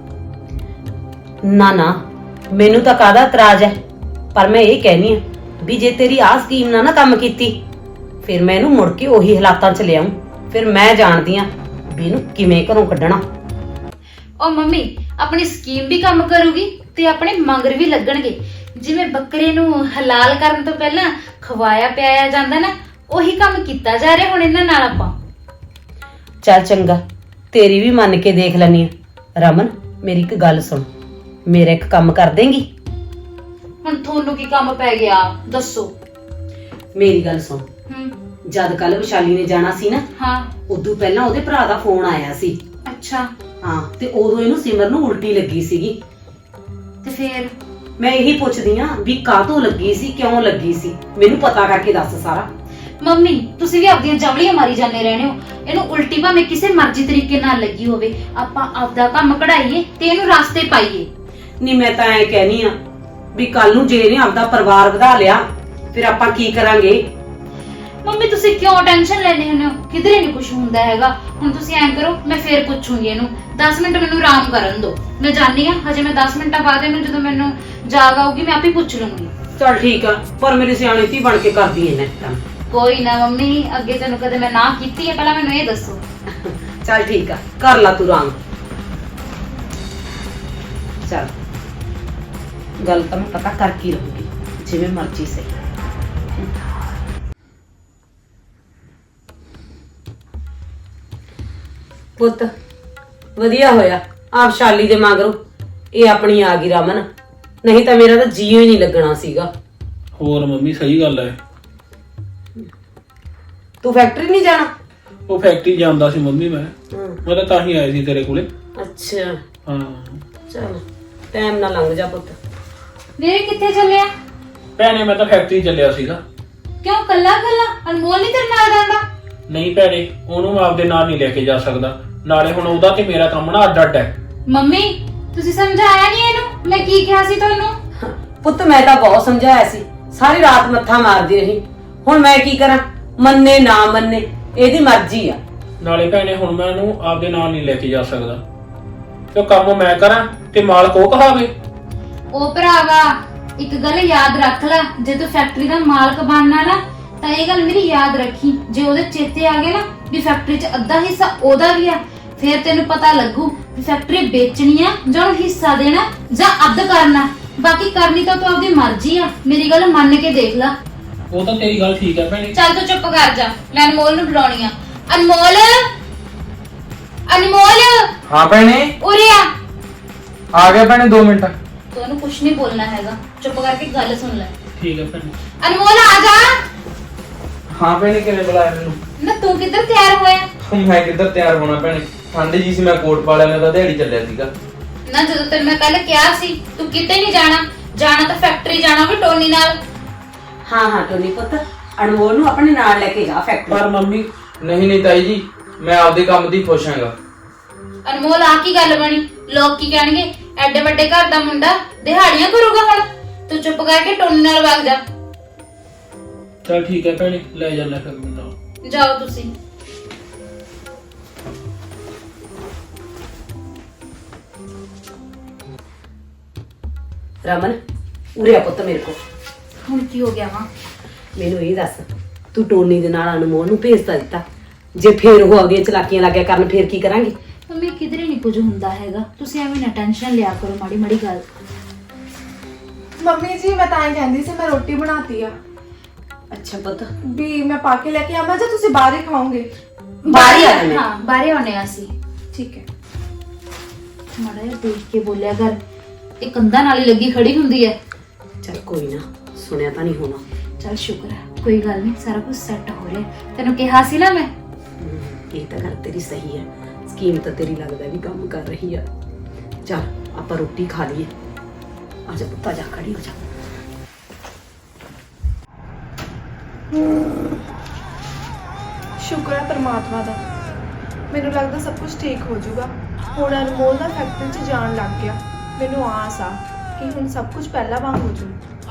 Speaker 2: ਨਾ ਨਾ, ਮੈਨੂੰ ਤਾਂ ਕਾਹਦਾ ਇਤਰਾਜ਼ ਹੈ, ਪਰ ਮੈਂ ਇਹ ਕਹਿਨੀ ਆ ਵੀ ਜੇ ਤੇਰੀ ਆਹ ਸਕੀਮ ਨਾਲ ਨਾ ਕੰਮ ਕੀਤੀ, ਫਿਰ ਮੈਂ ਇਹਨੂੰ ਮੁੜ ਕੇ ਉਹੀ ਹਾਲਾਤਾਂ 'ਚ ਲਿਆਉਂ। ਫਿਰ ਮੈਂ ਜਾਣਦੀ ਆ ਵੀ ਇਹਨੂੰ ਕਿਵੇਂ ਘਰੋਂ ਕੱਢਣਾ।
Speaker 3: ਉਹ ਮੰਮੀ ਆਪਣੀ ਸਕੀਮ ਵੀ ਕੰਮ ਕਰੂਗੀ ਤੇ ਆਪਣੇ ਮੰਗਰ ਵੀ ਲੱਗਣਗੇ। ਜਿਵੇਂ ਬੱਕਰੇ ਨੂੰ ਹਲਾਲ ਕਰਨ ਤੋਂ ਪਹਿਲਾਂ ਖਵਾਇਆ ਪਿਆਇਆ ਜਾਂਦਾ ਨਾ, ਉਹੀ ਕੰਮ ਕੀਤਾ ਜਾ ਰਿਹਾ ਹੁਣ ਇਹਨਾਂ ਨਾਲ ਆਪਾਂ।
Speaker 2: ਚੱਲ ਚੰਗਾ, ਤੇਰੀ ਵੀ ਮੰਨ ਕੇ ਦੇਖ ਲੈਣੀ ਆ। ਰਮਨ ਮੇਰੀ ਇੱਕ ਗੱਲ ਸੁਣ, ਮੇਰਾ ਇੱਕ ਕੰਮ ਕਰ ਦੇਂਗੀ?
Speaker 3: ਹੁਣ ਤੁਹਾਨੂੰ ਕੀ ਕੰਮ ਪੈ ਗਿਆ ਦੱਸੋ?
Speaker 2: ਮੇਰੀ ਗੱਲ ਸੁਣ,
Speaker 3: ਹੂੰ।
Speaker 2: ਜਦ ਕੱਲ ਵਿਸ਼ਾਲੀ ਨੇ ਜਾਣਾ ਸੀ ਨਾ,
Speaker 3: ਹਾਂ।
Speaker 2: ਉਦੋਂ ਪਹਿਲਾਂ ਉਹਦੇ ਭਰਾ ਦਾ ਫੋਨ ਆਇਆ ਸੀ।
Speaker 3: ਅੱਛਾ।
Speaker 2: ਹਾਂ, ਤੇ ਉਦੋਂ ਇਹਨੂੰ ਸਿਮਰ ਨੂੰ ਉਲਟੀ ਲੱਗੀ ਸੀਗੀ।
Speaker 3: ਤੇ ਫੇਰ
Speaker 2: ਮੈਂ ਇਹੀ ਪੁੱਛਦੀ ਆ ਵੀ ਕਾਹਤੋਂ ਲੱਗੀ ਸੀ, ਕਿਉਂ ਲੱਗੀ ਸੀ, ਮੈਨੂੰ ਪਤਾ ਕਰਕੇ ਦੱਸ ਸਾਰਾ।
Speaker 3: ਮੰਮੀ ਤੁਸੀਂ ਵੀ ਆਪਦੀਆਂ ਜਵਲੀਆਂ ਮਾਰੀ ਜਾਂਦੇ ਰਹਿੰਦੇ ਹੋ। ਇਹਨੂੰ ਉਲਟੀ ਭਾਵੇਂ ਕਿਸੇ ਮਰਜ਼ੀ ਤਰੀਕੇ ਨਾਲ ਲੱਗੀ ਹੋਵੇ, ਆਪਾਂ ਆਪਦਾ ਕੰਮ ਕਢਾਈਏ ਤੇ ਇਹਨੂੰ ਰਾਸਤੇ ਪਾਈਏ।
Speaker 2: ਨਹੀਂ ਮੈਂ ਤਾਂ ਐ ਕਹਿਨੀ ਆ ਵੀ ਕੱਲ ਨੂੰ ਜੇ ਇਹਨੇ ਆਪਦਾ ਪਰਿਵਾਰ ਵਧਾ ਲਿਆ, ਫਿਰ ਆਪਾਂ ਕੀ ਕਰਾਂਗੇ?
Speaker 3: ਮੰਮੀ ਤੁਸੀਂ ਕਿਉਂ ਟੈਨਸ਼ਨ ਲੈਂਦੇ ਹੁੰਦੇ ਹੋ? ਕਿਧਰੇ ਨਹੀਂ ਕੁਝ ਹੁੰਦਾ ਹੈਗਾ। ਹੁਣ ਤੁਸੀਂ ਐਂ ਕਰੋ, ਮੈਂ ਫੇਰ ਪੁੱਛੂੰਗੀ ਇਹਨੂੰ। ਦਸ ਮਿੰਟ ਮੈਨੂੰ ਆਰਾਮ ਕਰਨ ਦਿਓ, ਮੈਂ ਜਾਣੀ ਆ ਹਜੇ। ਮੈਂ ਦਸ ਮਿੰਟਾਂ ਬਾਅਦ ਇਹਨੂੰ ਜਦੋਂ ਮੈਨੂੰ ਜਾਗ ਆਊਗੀ ਮੈਂ ਆਪੇ ਪੁੱਛ ਲੂੰਗੀ।
Speaker 2: ਚਲ ਠੀਕ ਆ, ਪਰ ਮੇਰੀ ਸਿਆਣੀ ਧੀ ਬਣ ਕੇ ਕਰਦੀ ਐ ਨਾ ਕੰਮ।
Speaker 3: ਕੋਈ ਨਾ ਮੰਮੀ, ਅੱਗੇ ਤੈਨੂੰ ਕਦੇ ਮੈਂ ਨਾ ਕੀਤੀ ਹੈ? ਪਹਿਲਾਂ ਮੈਨੂੰ ਇਹ ਦੱਸੋ।
Speaker 2: ਚਲ ਠੀਕ ਆ, ਕਰ ਲਾ ਤੂੰ ਆਰਾਮ। ਚਲ ਗੱਲ ਤਾਂ ਮੈਂ ਪਤਾ ਕਰਕੇ ਹੀ ਰਹੂੰਗੀ, ਜਿਵੇਂ ਮਰਜ਼ੀ ਸਹੀ। ਪੁੱਤ ਵਧੀਆ ਹੋਇਆ ਆਪ ਸ਼ਾਲੀ ਦੇ ਮਗਰੋਂ ਇਹ ਆਪਣੀ ਆ ਗਈ ਰਮਨ, ਨਹੀਂ ਤਾਂ ਮੇਰਾ ਤਾਂ ਜੀਓ ਹੀ ਨਹੀਂ ਲੱਗਣਾ ਸੀਗਾ।
Speaker 4: ਹੋਰ ਮੰਮੀ ਸਹੀ ਗੱਲ ਹੈ।
Speaker 2: ਤੂੰ ਫੈਕਟਰੀ ਨਹੀਂ ਜਾਣਾ?
Speaker 4: ਉਹ ਫੈਕਟਰੀ ਜਾਂਦਾ ਸੀ ਮੰਮੀ, ਮੈਂ ਮੈਂ ਤਾਂ ਤਾਂ ਹੀ ਆਇਆ ਸੀ ਤੇਰੇ ਕੋਲੇ।
Speaker 2: ਅੱਛਾ
Speaker 4: ਹਾਂ
Speaker 2: ਚਲ ਟਾਈਮ ਨਾ ਲੰਘ ਜਾ ਪੁੱਤ।
Speaker 3: ਵੀਰੇ ਕਿੱਥੇ ਚੱਲਿਆ?
Speaker 4: ਭੈਣੇ ਮੈਂ ਤਾਂ ਫੈਕਟਰੀ ਚੱਲਿਆ ਸੀਗਾ।
Speaker 3: ਕਿਉਂ ਕੱਲਾ ਕੱਲਾ? ਅਨਮੋਲ ਨਹੀਂ ਤੇਰੇ ਨਾਲ ਜਾਂਦਾ?
Speaker 4: ਨਹੀਂ ਭੈਣੇ, ਉਹਨੂੰ ਮੈਂ ਆਪਦੇ ਨਾਲ ਨਹੀਂ ਲੈ ਕੇ ਜਾ ਸਕਦਾ।
Speaker 6: ਨਾਲੇ ਹੁਣ ਉਹਦਾ ਤੇ ਮੇਰਾ ਕੰਮ ਨਾ ਅੱਡ ਅੱਡ ਹੈ।
Speaker 3: ਮੰਮੀ ਤੁਸੀਂ ਸਮਝਾਇਆ ਨਹੀਂ ਇਹਨੂੰ ਮੈਂ ਕੀ ਕਿਹਾ ਸੀ ਤੁਹਾਨੂੰ?
Speaker 2: ਪੁੱਤ ਮੈਂ ਤਾਂ ਬਹੁਤ ਸਮਝਾਇਆ ਸੀ, ਸਾਰੀ ਰਾਤ ਮੱਥਾ ਮਾਰਦੀ ਰਹੀ। ਹੁਣ ਮੈਂ ਕੀ ਕਰਾਂ, ਮੰਨੇ ਨਾ ਮੰਨੇ ਇਹਦੀ ਮਰਜ਼ੀ ਆ।
Speaker 6: ਨਾਲੇ ਭੈਣੇ ਹੁਣ ਮੈਂ ਇਹਨੂੰ ਆਪਦੇ ਨਾਲ ਨਹੀਂ ਲੈ ਕੇ ਜਾ ਸਕਦਾ, ਤੇ ਕੰਮ ਮੈਂ ਕਰਾਂ ਤੇ ਮਾਲਕ ਉਹ ਕਹਾਵੇ।
Speaker 3: ਉਹ ਭਰਾਵਾ ਇੱਕ ਗੱਲ ਯਾਦ ਰੱਖ ਲੈ, ਜੇ ਤੂੰ ਫੈਕਟਰੀ ਦਾ ਮਾਲਕ ਬਣਨਾ ਨਾ ਤਾਂ ਇਹ ਗੱਲ ਮੇਰੀ ਯਾਦ ਰੱਖੀ। ਜੇ ਉਹਦੇ ਚੇਤੇ ਆ ਗਏ ਨਾ ਵੀ ਫੈਕਟਰੀ 'ਚ ਅੱਧਾ ਹਿੱਸਾ ਉਹਦਾ ਵੀ ਆ, ਫਿਰ ਤੈਨੂੰ ਪਤਾ ਲੱਗੂ ਵੀ ਫੈਕਟਰੀ ਵੇਚਣੀ ਆ ਜਾਂ ਉਹਨੂੰ ਹਿੱਸਾ ਦੇਣਾ ਜਾਂ ਅੱਧ ਕਰਨਾ। ਬਾਕੀ ਕਰਨੀ ਤਾਂ ਤੂੰ ਆਪਦੀ ਮਰਜ਼ੀ ਆ, ਮੇਰੀ ਗੱਲ ਮੰਨ ਕੇ ਦੇਖ ਲੈ।
Speaker 6: ਉਹ ਤਾਂ ਤੇਰੀ ਗੱਲ ਠੀਕ ਹੈ ਭੈਣੇ।
Speaker 3: ਚੱਲ ਤੂੰ ਚੁੱਪ ਕਰ ਜਾ, ਮੈਂ ਅਨਮੋਲ ਨੂੰ ਬੁਲਾਉਣੀ ਆ। ਅਨਮੋਲ ਅਨਮੋਲ
Speaker 4: ਹਾਂ ਭੈਣੇ,
Speaker 3: ਉਰੇ ਆ।
Speaker 4: ਆ ਗਿਆ ਭੈਣੇ ਦੋ ਮਿੰਟ।
Speaker 3: ਤੂੰ ਉਹਨੂੰ ਕੁਝ ਨਹੀਂ ਬੋਲਣਾ ਹੈਗਾ, ਚੁੱਪ ਕਰਕੇ ਗੱਲ ਸੁਣ ਲੈ।
Speaker 6: ਠੀਕ ਹੈ ਭੈਣੇ।
Speaker 3: ਅਨਮੋਲ ਆ ਜਾ।
Speaker 4: ਹਾਂ ਭੈਣੇ, ਕਿਵੇਂ ਬੁਲਾਇਆ ਮੈਨੂੰ?
Speaker 3: ਨਾ ਤੂੰ ਕਿੱਧਰ ਤਿਆਰ ਹੋਇਆ?
Speaker 4: ਮੈਂ ਕਿੱਧਰ ਤਿਆਰ ਹੋਣਾ ਭੈਣੇ, ਠੰਡ ਜੀ ਸੀ, ਮੈਂ ਕੋਟ ਪਾ ਲਿਆ, ਮੈਂ ਤਾਂ ਦਿਹਾੜੀ ਚੱਲਿਆ ਸੀਗਾ।
Speaker 3: ਨਾ ਜਦੋਂ ਤੈਨੂੰ ਮੈਂ ਕੱਲ ਕਿਹਾ ਸੀ ਤੂੰ ਕਿਤੇ ਨਹੀਂ ਜਾਣਾ, ਜਾਣਾ ਤਾਂ ਫੈਕਟਰੀ ਜਾਣਾ ਵੀ ਟੋਨੀ ਨਾਲ।
Speaker 2: ਹਾਂ ਹਾਂ ਟੋਨੀ ਪੁੱਤ, ਅਨਮੋਲ ਨੂੰ ਆਪਣੇ ਨਾਲ ਲੈ ਕੇ ਜਾ ਫੈਕਟਰੀ।
Speaker 6: ਪਰ ਮੰਮੀ
Speaker 4: ਨਹੀਂ ਨਹੀਂ ਤਾਈ ਜੀ, ਮੈਂ ਆਪਦੇ ਕੰਮ ਦੀ ਖੁਸ਼ ਹਾਂਗਾ।
Speaker 3: ਅਨਮੋਲ ਆ ਕੀ ਗੱਲ ਬਣੀ? ਲੋਕ ਕੀ ਕਹਿਣਗੇ? ਐਡੇ ਵੱਡੇ ਘਰ ਦਾ ਮੁੰਡਾ ਦਿਹਾੜੀਆਂ ਕਰੂਗਾ ਹੁਣ? ਤੂੰ ਚੁੱਪ ਕਰਕੇ ਟੋਨੀ ਨਾਲ ਵਗ ਜਾ।
Speaker 6: ਚਲ ਠੀਕ ਹੈ ਭੈਣੇ, ਲੈ ਜਾਣਾ ਫਿਰ ਮੈਨੂੰ।
Speaker 3: ਜਾਓ ਤੁਸੀਂ।
Speaker 2: ਰਮਨ ਉਰੇ ਆ ਪੁੱਤ ਮੇਰੇ ਕੋਲ।
Speaker 3: ਹੁਣ ਕੀ ਹੋ ਗਿਆ ਵਾ?
Speaker 2: ਮੈਨੂੰ ਇਹ ਦੱਸ, ਤੂੰ ਟੋਨੀ ਦੇ ਨਾਲ ਅਨਮੋਲ ਨੂੰ ਭੇਜਤਾ ਦਿੱਤਾ, ਜੇ ਫੇਰ ਉਹ ਅੱਗੇ ਚਲਾਕੀਆਂ ਲੱਗਿਆ ਕਰਨ ਫੇਰ ਕੀ ਕਰਾਂਗੇ?
Speaker 3: ਮੰਮੀ ਕਿਧਰੇ ਨਹੀਂ ਕੁਝ ਹੁੰਦਾ ਹੈਗਾ, ਤੁਸੀਂ ਐਵੇਂ ਨਾ ਟੈਨਸ਼ਨ ਲਿਆ ਕਰੋ ਮਾੜੀ ਮਾੜੀ ਗੱਲ।
Speaker 5: ਮੰਮੀ ਜੀ ਮੈਂ ਤਾਂ ਇਹ ਕਹਿੰਦੀ ਸੀ, ਮੈਂ ਰੋਟੀ ਬਣਾਤੀ ਆ
Speaker 2: ਅੱਛਾ ਪੁੱਤ,
Speaker 5: ਵੀ ਮੈਂ ਪਾ ਕੇ ਲੈ ਕੇ ਆਵਾਂ ਜਾਂ ਤੁਸੀਂ ਬਾਹਰ ਹੀ ਖਾਓਗੇ?
Speaker 2: ਬਾਹਰ ਹੀ ਆ ਜਾਣੇ।
Speaker 3: ਹਾਂ ਬਾਹਰੇ ਆਉਣੇ ਆ ਅਸੀਂ।
Speaker 5: ਠੀਕ ਹੈ।
Speaker 3: ਮਾੜਾ ਜਿਹਾ ਦੇਖ ਕੇ ਬੋਲਿਆ ਕਰ, ਇਹ ਕੰਧਾਂ ਨਾਲ ਹੀ ਲੱਗੀ ਖੜੀ ਹੁੰਦੀ ਹੈ।
Speaker 2: ਚੱਲ ਕੋਈ ਨਾ, ਸੁਣਿਆ ਤਾਂ ਨਹੀਂ ਹੋਣਾ।
Speaker 3: ਚੱਲ ਸ਼ੁਕਰ ਹੈ, ਕੋਈ ਗੱਲ ਨਹੀਂ, ਸਾਰਾ ਕੁਝ ਸੈੱਟ ਹੋ ਰਿਹਾ। ਤੈਨੂੰ ਕਿਹਾ ਸੀ ਨਾ ਮੈਂ।
Speaker 2: ਹਮ, ਇਹ ਤਾਂ ਗੱਲ ਤੇਰੀ ਸਹੀ ਹੈ, ਸਕੀਮ ਤਾਂ ਤੇਰੀ ਲੱਗਦਾ ਵੀ ਕੰਮ ਕਰ ਰਹੀ ਆ। ਚੱਲ ਆਪਾਂ ਰੋਟੀ ਖਾ ਲਈਏ। ਆ ਜਾ ਪੁੱਤ, ਆ ਜਾ, ਖੜੀ ਹੋ ਜਾ।
Speaker 5: ਸ਼ੁਕਰ ਹੈ ਪਰਮਾਤਮਾ ਦਾ, ਮੈਨੂੰ ਲੱਗਦਾ ਸਭ ਕੁਝ ਠੀਕ ਹੋ ਜਾਊਗਾ। ਹੁਣ ਅਨਮੋਲ ਦਾ ਫੈਕਟਰੀ 'ਚ ਜਾਣ ਲੱਗ ਗਿਆ, ਮੈਨੂੰ ਆਸ ਆ ਕਿ ਹੁਣ ਸਭ ਕੁਝ ਪਹਿਲਾਂ ਵਾਂਗ ਹੋ ਜਾਊ।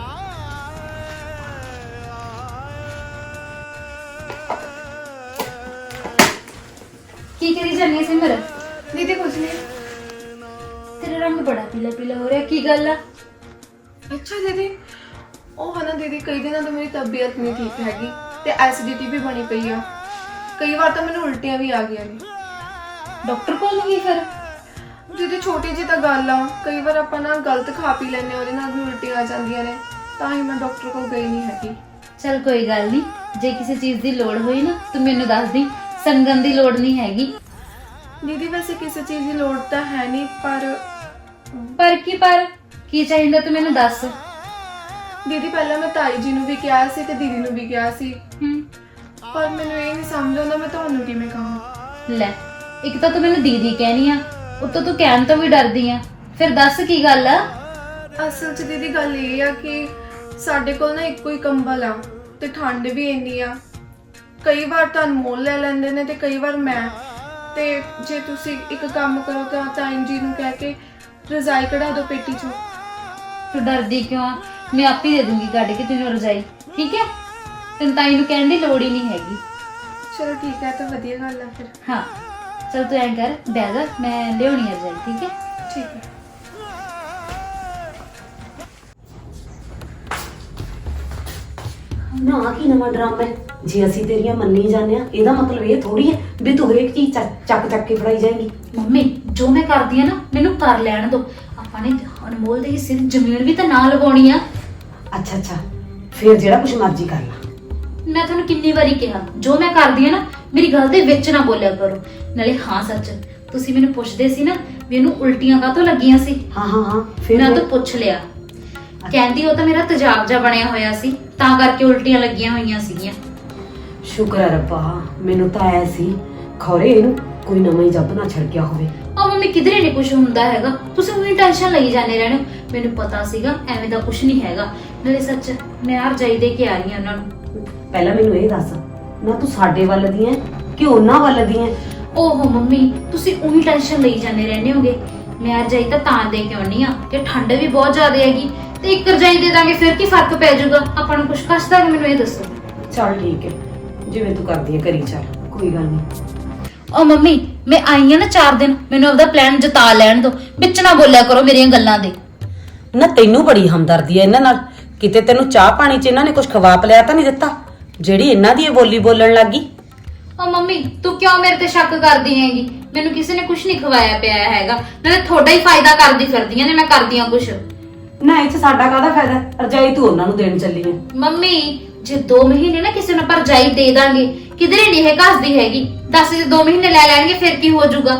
Speaker 3: ਕੀ ਕਰੀ ਜਾਂਦੀ ਹੈ ਸਿਮਰ?
Speaker 5: ਦੀਦੀ ਕੁਝ ਨਹੀਂ।
Speaker 3: ਤੇਰਾ ਰੰਗ ਬੜਾ ਪੀਲਾ ਪੀਲਾ ਹੋ ਰਿਹਾ, ਕੀ ਗੱਲ ਆ?
Speaker 5: ਅੱਛਾ ਦੀਦੀ, ਉਹ ਹਨਾ ਦੀਦੀ ਕਈ ਦਿਨਾਂ ਤੋਂ ਮੇਰੀ ਤਬੀਅਤ ਨਹੀਂ ਠੀਕ ਹੈਗੀ ਤੇ ਐਸਿਡਿਟੀ ਵੀ ਬਣੀ ਪਈ ਆ। ਕਈ ਵਾਰ ਤਾਂ ਮੈਨੂੰ ਉਲਟੀਆਂ ਵੀ ਆ ਗਈਆਂ ਨੇ।
Speaker 3: ਡਾਕਟਰ ਕੋਲ ਨਹੀਂ ਗਈ ਫਿਰ?
Speaker 5: ਦੀਦੀ ਛੋਟੀ ਜੀ ਤਾਂ ਗੱਲ ਆ, ਕਈ ਵਾਰ ਆਪਾਂ ਨਾ ਗਲਤ ਖਾ ਪੀ ਲੈਂਦੇ ਹਾਂ, ਉਹਦੇ ਨਾਲ ਵੀ ਉਲਟੀਆਂ ਆ ਜਾਂਦੀਆਂ ਨੇ, ਤਾਂ ਹੀ ਮੈਂ ਡਾਕਟਰ ਕੋਲ ਗਈ ਨਹੀਂ ਹੈਗੀ।
Speaker 3: ਚਲ ਕੋਈ ਗੱਲ ਨਹੀਂ, ਜੇ ਕਿਸੇ ਚੀਜ਼ ਦੀ ਲੋੜ ਹੋਈ ਨਾ ਤੂੰ ਮੈਨੂੰ ਦੱਸ ਦੀ, ਸੰਗਨ ਦੀ ਲੋੜ ਨਹੀਂ ਹੈਗੀ।
Speaker 5: ਦੀਦੀ ਵੈਸੇ ਕਿਸੇ ਚੀਜ਼ ਦੀ ਲੋੜ ਤਾਂ ਹੈ ਨਹੀਂ, ਪਰ
Speaker 3: ਪਰ ਕੀ ਪਰ ਕੀ ਚਾਹੀਦਾ ਤੂੰ ਮੈਨੂੰ ਦੱਸ।
Speaker 5: ਦੀਦੀ ਪਹਿਲਾਂ ਮੈਂ ਤਾਈ ਜੀ ਨੂੰ ਵੀ ਕਿਹਾ ਸੀ ਤੇ ਦੀਦੀ ਨੂੰ ਵੀ ਕਿਹਾ ਸੀ,
Speaker 3: ਹੂੰ
Speaker 5: ਪਰ ਮੈਨੂੰ ਇਹ ਨਹੀਂ ਸਮਝ ਆਉਂਦਾ ਮੈਂ ਤੁਹਾਨੂੰ ਕਿਵੇਂ ਕਹਾਂ।
Speaker 3: ਲੈ, ਇੱਕ ਤਾਂ ਤੂੰ ਮੈਨੂੰ ਦੀਦੀ ਕਹਿਨੀ ਆ, ਉੱਤੋਂ ਤੂੰ ਕਹਿਣ ਤੋਂ ਵੀ ਡਰਦੀ ਆ, ਫਿਰ ਦੱਸ ਕੀ ਗੱਲ ਆ।
Speaker 5: ਅਸਲ 'ਚ ਦੀਦੀ ਗੱਲ ਇਹ ਆ ਕਿ ਸਾਡੇ ਕੋਲ ਨਾ ਇੱਕੋ ਹੀ ਕੰਬਲ ਆ ਤੇ ਠੰਡ ਵੀ ਇੰਨੀ ਆ। ਕਈ ਵਾਰ ਤਾਂ ਅਨਮੋਲ ਲੈ ਲੈਂਦੇ ਨੇ ਤੇ ਕਈ ਵਾਰ ਮੈਂ, ਤੇ ਜੇ ਤੁਸੀਂ ਇੱਕ ਕੰਮ ਕਰੋ ਤਾਂ ਤਾਈ ਜੀ ਨੂੰ ਕਹਿ ਕੇ ਰਜ਼ਾਈ ਕਢਾ ਦਿਓ ਪੇਟੀ 'ਚੋਂ।
Speaker 3: ਤੂੰ ਡਰਦੀ ਕਿਉਂ ਆ? ਮੈਂ ਆਪ ਹੀ ਦੇ ਦੂੰਗੀ ਕੱਢ ਕੇ ਤੈਨੂੰ ਰਜਾਈ, ਠੀਕ ਹੈ? ਤੈਨੂੰ ਤਾਈ ਨੂੰ ਕਹਿਣ ਦੀ ਲੋੜ ਹੀ ਨਹੀਂ ਹੈਗੀ।
Speaker 5: ਚਲੋ ਠੀਕ ਹੈ, ਤਾਂ ਵਧੀਆ ਗੱਲ ਆ ਫਿਰ।
Speaker 3: ਹਾਂ ਚਲ ਤੂੰ ਐਂ ਕਰ, ਬਹਿ ਜਾ, ਮੈਂ ਲਿਆਉਣੀ ਆ ਰਜਾਈ, ਠੀਕ ਹੈ?
Speaker 5: ਠੀਕ ਹੈ।
Speaker 2: ਨਾ ਕੀ ਨਵਾਂ ਡਰਾਮਾ ਹੈ? ਜੇ ਅਸੀਂ ਤੇਰੀਆਂ ਮੰਨੀ ਜਾਂਦੇ ਆ, ਇਹਦਾ ਮਤਲਬ ਇਹ ਥੋੜੀ ਹੈ ਵੀ ਤੂੰ ਹਰੇਕ ਚੀਜ਼ ਚੱਕ ਚੱਕ ਚੱਕ ਕੇ ਫੜਾਈ ਜਾਏਗੀ।
Speaker 3: ਮੰਮੀ ਜੋ ਮੈਂ ਕਰਦੀ ਆ ਨਾ ਮੈਨੂੰ ਕਰ ਲੈਣ ਦੋ। ਆਪਾਂ ਨੇ ਅਨਮੋਲ ਦੇ ਹਿੱਸੇ ਦੀ ਜ਼ਮੀਨ ਵੀ ਤਾਂ ਨਾ ਲਗਾਉਣੀ ਆ।
Speaker 2: ਅੱਛਾ ਅੱਛਾ, ਫਿਰ ਜਿਹੜਾ ਕੁਝ ਮਰਜ਼ੀ ਕਰ ਲਾ।
Speaker 3: ਮੈਂ ਤੁਹਾਨੂੰ ਕਿੰਨੀ ਵਾਰੀ ਕਿਹਾ, ਜੋ ਮੈਂ ਕਰਦੀ ਆ ਨਾ ਮੇਰੀ ਗੱਲ ਦੇ ਵਿੱਚ ਨਾ ਬੋਲਿਆ ਕਰੋ। ਨਾਲੇ ਹਾਂ ਸੱਚ, ਤੁਸੀਂ ਮੈਨੂੰ ਪੁੱਛਦੇ ਸੀ ਨਾ ਵੀ ਇਹਨੂੰ ਉਲਟੀਆਂ ਕਾਹਤੋਂ ਲੱਗੀਆਂ ਸੀ,
Speaker 2: ਹਾਂ ਹਾਂ ਹਾਂ, ਫਿਰ
Speaker 3: ਮੈਂ ਤਾਂ ਪੁੱਛ ਲਿਆ। ਕਹਿੰਦੀ ਉਹ ਤਾਂ ਮੇਰਾ ਤੇਜ਼ਾਬ ਜਿਹਾ ਬਣਿਆ ਹੋਇਆ ਸੀ, ਤਾਂ ਕਰਕੇ ਉਲਟੀਆਂ ਲੱਗੀਆਂ ਹੋਈਆਂ ਸੀਗੀਆਂ।
Speaker 2: ਸ਼ੁਕਰ ਹੈ ਰੱਬਾ, ਮੈਨੂੰ ਤਾਂ ਐ ਸੀ ਖੌਰੇ ਇਹਨੂੰ ਕੋਈ ਨਵਾਂ ਹੀ ਜੱਬ ਨਾ ਛੜ ਗਿਆ ਹੋਵੇ।
Speaker 3: ਆ ਮੰਮੀ ਕਿਧਰੇ ਨਹੀਂ ਕੁਝ ਹੁੰਦਾ ਹੈਗਾ, ਤੁਸੀਂ ਉਹਨੀ ਟੈਨਸ਼ਨ ਲਈ ਜਾਂਦੇ ਰਹਿੰਦੇ ਹੋ। ਮੈਨੂੰ ਪਤਾ ਸੀਗਾ ਐਵੇਂ ਦਾ ਕੁਝ ਨਹੀਂ ਹੈਗਾ। ਨਾਲੇ ਸੱਚ ਮੈਂ ਆ ਰਜਾਈ ਦੇ ਕੇ ਆ ਰਹੀ ਹਾਂ ਉਹਨਾਂ ਨੂੰ।
Speaker 2: ਪਹਿਲਾਂ ਮੈਨੂੰ ਇਹ ਦੱਸ, ਨਾ ਤੂੰ ਸਾਡੇ ਵੱਲ ਦੀ ਐ ਕਿ ਉਹਨਾਂ ਵੱਲ ਦੀ ਐ?
Speaker 3: ਓਹੋ ਮੰਮੀ ਤੁਸੀਂ ਉਹੀ ਟੈਨਸ਼ਨ ਲਈ ਜਾਂਦੇ ਰਹਿੰਦੇ ਹੋਗੇ। ਮੈਂ ਰਜਾਈ ਤਾਂ ਤਾਂ ਦੇ ਕੇ ਆਉਣੀ ਆ ਕਿ ਠੰਡ ਵੀ ਬਹੁਤ ਜ਼ਿਆਦਾ ਹੈਗੀ, ਤੇ ਇੱਕ ਰਜਾਈ ਦੇ ਦਾਂਗੇ ਫਿਰ ਕੀ ਫਰਕ ਪੈ ਜਾਊਗਾ, ਆਪਾਂ ਨੂੰ ਕੁਝ ਕਸ਼ਦਾ ਨਹੀਂ, ਮੈਨੂੰ ਇਹ ਦੱਸੋ।
Speaker 2: ਚੱਲ ਠੀਕ ਹੈ, ਜਿਵੇਂ ਤੂੰ ਕਰਦੀ ਹੈ ਕਰੀ ਚੱਲ, ਕੋਈ ਗੱਲ ਨਹੀਂ।
Speaker 3: ਓ ਮੰਮੀ ਮੈਂ ਆਈ ਆ ਨਾ ਚਾਰ ਦਿਨ, ਮੈਨੂੰ ਆਪਦਾ ਪਲਾਨ ਜਤਾ ਲੈਣ ਦਿਓ, ਵਿੱਚ ਨਾ ਬੋਲਿਆ ਕਰੋ ਮੇਰੀਆਂ ਗੱਲਾਂ ਦੇ।
Speaker 2: ਨਾ ਤੈਨੂੰ ਬੜੀ ਹਮਦਰਦੀ ਹੈ ਇਹਨਾਂ ਨਾਲ, ਕਿਤੇ ਤੈਨੂੰ ਚਾਹ ਪਾਣੀ 'ਚ ਇਹਨਾਂ ਨੇ ਕੁਝ ਖਵਾ ਪਿਲਾਇਆ ਤਾਂ ਨਹੀਂ ਦਿੱਤਾ ਜਿਹੜੀ ਇਹਨਾਂ ਦੀ ਇਹ ਬੋਲੀ ਬੋਲਣ ਲੱਗੀ?
Speaker 3: ਓ ਮੰਮੀ ਤੂੰ ਕਿਉਂ ਮੇਰੇ ਤੇ ਸ਼ੱਕ ਕਰਦੀ ਹੈਗੀ? ਮੈਨੂੰ ਕਿਸੇ ਨੇ ਕੁਝ ਨਹੀਂ ਖਵਾਇਆ ਪਿਆ ਹੈਗਾ, ਨਾਲੇ ਤੁਹਾਡਾ ਹੀ ਫਾਇਦਾ ਕਰਦੀ ਫਿਰਦੀਆਂ ਨੇ ਮੈਂ ਕਰਦੀਆਂ ਕੁਝ।
Speaker 2: ਨਾ ਇਹ 'ਚ ਸਾਡਾ ਕਾਹਦਾ ਫਾਇਦਾ? ਰਜਾਈ ਤੂੰ ਉਹਨਾਂ ਨੂੰ ਦੇਣ ਚੱਲੀ ਹੈ।
Speaker 3: ਮੰਮੀ ਜੇ ਦੋ ਮਹੀਨੇ ਨਾ ਕਿਸੇ ਨੂੰ ਪਰਜਾਈ ਦੇ ਦਾਂਗੇ, ਕਿਧਰੇ ਨਹੀਂ ਇਹ ਘਸਦੀ ਹੈਗੀ, ਦੱਸ ਜੇ ਦੋ ਮਹੀਨੇ ਲੈ ਲੈਣਗੇ ਫਿਰ ਕੀ ਹੋ ਜਾਊਗਾ?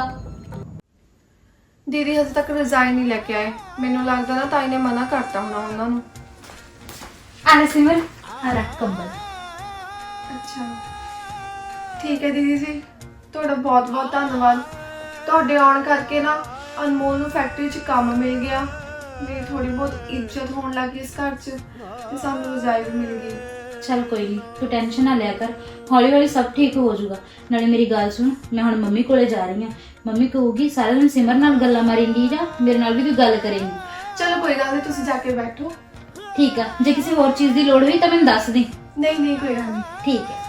Speaker 5: ਦੀਦੀ ਹਜੇ ਤੱਕ ਰਿਜ਼ਾਈਨ ਨਹੀਂ ਲੈ ਕੇ ਆਏ, ਮੈਨੂੰ ਲੱਗਦਾ ਨਾ ਤਾਈ ਨੇ ਮਨਾ ਕਰਤਾ ਹੋਣਾ ਉਹਨਾਂ ਨੂੰ।
Speaker 3: ਆਨੇ ਸਿਮਰ ਆ ਰੱਖ ਕੰਬਲ।
Speaker 5: ਅੱਛਾ ਠੀਕ ਹੈ ਦੀਦੀ ਜੀ, ਤੁਹਾਡਾ ਬਹੁਤ ਬਹੁਤ ਧੰਨਵਾਦ। ਤੁਹਾਡੇ ਆਉਣ ਕਰਕੇ ਨਾ ਅਨਮੋਲ ਨੂੰ ਫੈਕਟਰੀ 'ਚ ਕੰਮ ਮਿਲ ਗਿਆ, ਮੇਰੀ ਥੋੜੀ ਬਹੁਤ ਇੱਜ਼ਤ ਹੋਣ ਲੱਗੀ ਇਸ ਘਰ 'ਚ, ਤੇ ਸਾਨੂੰ ਰਜ਼ਾਈ ਵੀ ਮਿਲ ਗਈ।
Speaker 3: ਚੱਲ ਕੋਈ ਨਹੀਂ, ਤੂੰ ਟੈਨਸ਼ਨ ਨਾ ਲਿਆ ਕਰ, ਹੌਲੀ ਹੌਲੀ ਸਭ ਠੀਕ ਹੋ ਜਾਊਗਾ। ਨਾਲੇ ਮੇਰੀ ਗੱਲ ਸੁਣ, ਮੈਂ ਹੁਣ ਮੰਮੀ ਕੋਲੇ ਜਾ ਰਹੀ ਹਾਂ, ਮੰਮੀ ਕਹੂਗੀ ਸਾਰਾ ਦਿਨ ਸਿਮਰ ਨਾਲ ਗੱਲਾਂ ਮਾਰੇਂਗੀ ਜਾਂ ਮੇਰੇ ਨਾਲ ਵੀ ਕੋਈ ਗੱਲ ਕਰੇਂਗੀ।
Speaker 5: ਚਲੋ ਕੋਈ ਗੱਲ ਨਹੀਂ, ਤੁਸੀਂ ਜਾ ਕੇ ਬੈਠੋ।
Speaker 3: ਠੀਕ ਆ, ਜੇ ਕਿਸੇ ਹੋਰ ਚੀਜ਼ ਦੀ ਲੋੜ ਹੋਈ ਤਾਂ ਮੈਨੂੰ ਦੱਸ ਦੇ।
Speaker 5: ਨਹੀਂ ਨਹੀਂ ਕੋਈ ਗੱਲ ਨਹੀਂ।
Speaker 3: ਠੀਕ ਹੈ।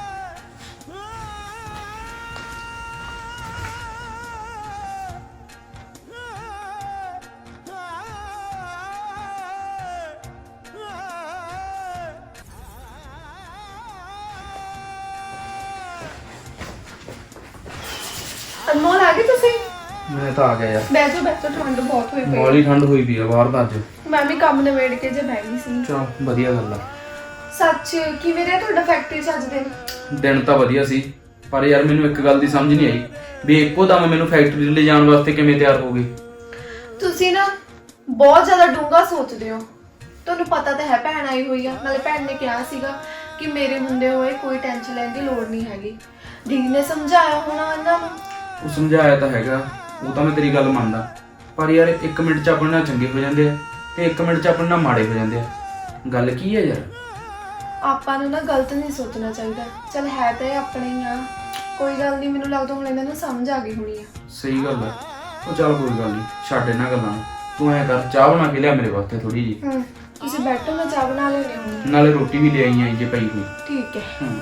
Speaker 5: ਅਨਮੋਲ ਆ ਗਏ ਤੁਸੀਂ?
Speaker 4: ਮੈਂ ਤਾਂ ਆ ਗਿਆ ਯਾਰ,
Speaker 5: ਬੈਠੋ ਬੈਠੋ, ਠੰਡ ਬਹੁਤ ਹੋਈ ਪਈ।
Speaker 4: ਮੌਲੀ ਠੰਡ ਹੋਈ ਪਈ ਆ ਬਾਹਰ ਤਾਂ ਅੱਜ।
Speaker 5: ਮੈਂ ਵੀ ਕੰਮ ਨਿਬੇੜ ਕੇ ਜੇ ਬਹਿ ਗਈ ਸੀ।
Speaker 4: ਚਲ ਵਧੀਆ ਗੱਲ ਆ।
Speaker 5: ਸੱਚ ਕਿਵੇਂ ਰਿਹਾ ਤੁਹਾਡਾ ਫੈਕਟਰੀ 'ਚ ਅੱਜ ਦਿਨ?
Speaker 4: ਦਿਨ ਤਾਂ ਵਧੀਆ ਸੀ, ਪਰ ਯਾਰ ਮੈਨੂੰ ਇੱਕ ਗੱਲ ਦੀ ਸਮਝ ਨਹੀਂ ਆਈ ਵੀ ਇੱਕੋ ਦਮ ਮੈਨੂੰ ਫੈਕਟਰੀ ਲੈ ਜਾਣ ਵਾਸਤੇ ਕਿਵੇਂ ਤਿਆਰ ਹੋ ਗਏ।
Speaker 5: ਤੁਸੀਂ ਨਾ ਬਹੁਤ ਜ਼ਿਆਦਾ ਡੂੰਘਾ ਸੋਚਦੇ ਹੋ। ਤੁਹਾਨੂੰ ਪਤਾ ਤਾਂ ਹੈ ਭੈਣ ਆਈ ਹੋਈ ਆ, ਨਾਲੇ ਭੈਣ ਨੇ ਕਿਹਾ ਸੀਗਾ ਕਿ ਮੇਰੇ ਹੁੰਦੇ ਹੋਏ ਕੋਈ ਟੈਨਸ਼ਨ ਲੈਣ ਦੀ ਲੋੜ ਨਹੀਂ ਹੈਗੀ। ਦੀਦੀ ਨੇ ਸਮਝਾਇਆ ਹੋਣਾ ਇਹਨਾਂ ਨੂੰ।
Speaker 4: ਉਹ ਸਮਝਾਇਆ ਤਾਂ ਹੈਗਾ, ਉਹ ਤਾਂ ਮੈਂ ਤੇਰੀ ਗੱਲ ਮੰਨਦਾ, ਪਰ ਯਾਰ ਇੱਕ ਮਿੰਟ 'ਚ ਆਪਣੇ ਨਾਲ ਚੰਗੇ ਹੋ ਜਾਂਦੇ ਆ ਤੇ ਇੱਕ ਮਿੰਟ 'ਚ ਆਪਣੇ ਨਾਲ ਮਾੜੇ ਹੋ ਜਾਂਦੇ ਆ। ਗੱਲ ਕੀ ਹੈ ਯਾਰ?
Speaker 5: ਆਪਾਂ ਨੂੰ ਨਾ ਗਲਤ ਨਹੀਂ ਸੋਚਣਾ ਚਾਹੀਦਾ। ਚਲ ਹੈ ਤਾਂ ਇਹ ਆਪਣੇ ਹੀ ਆ, ਕੋਈ ਗੱਲ ਨਹੀਂ। ਮੈਨੂੰ ਲੱਗਦਾ ਹੁਣ ਇਹਨਾਂ ਨੂੰ ਸਮਝ ਆ ਗਈ ਹੋਣੀ ਆ।
Speaker 4: ਸਹੀ ਗੱਲ ਹੈ। ਉਹ ਚੱਲ ਕੋਈ ਗੱਲ ਨਹੀਂ, ਛੱਡ ਇਹਨਾਂ ਗੱਲਾਂ ਨੂੰ। ਤੂੰ ਐਂ ਕਰ, ਚਾਹ ਬਣਾ ਕੇ ਲਿਆ ਮੇਰੇ ਵਾਸਤੇ ਥੋੜੀ ਜੀ।
Speaker 5: ਹੂੰ ਤੁਸੀਂ ਬੈਠੋ, ਮੈਂ ਚਾਹ ਬਣਾ ਲੈਣੀ ਹੁਣ।
Speaker 4: ਨਾਲੇ ਰੋਟੀ ਵੀ ਲੈ ਆਈ ਆਂ ਜੇ ਪਈ ਹੋਈ।
Speaker 5: ਠੀਕ ਹੈ।
Speaker 4: ਹੂੰ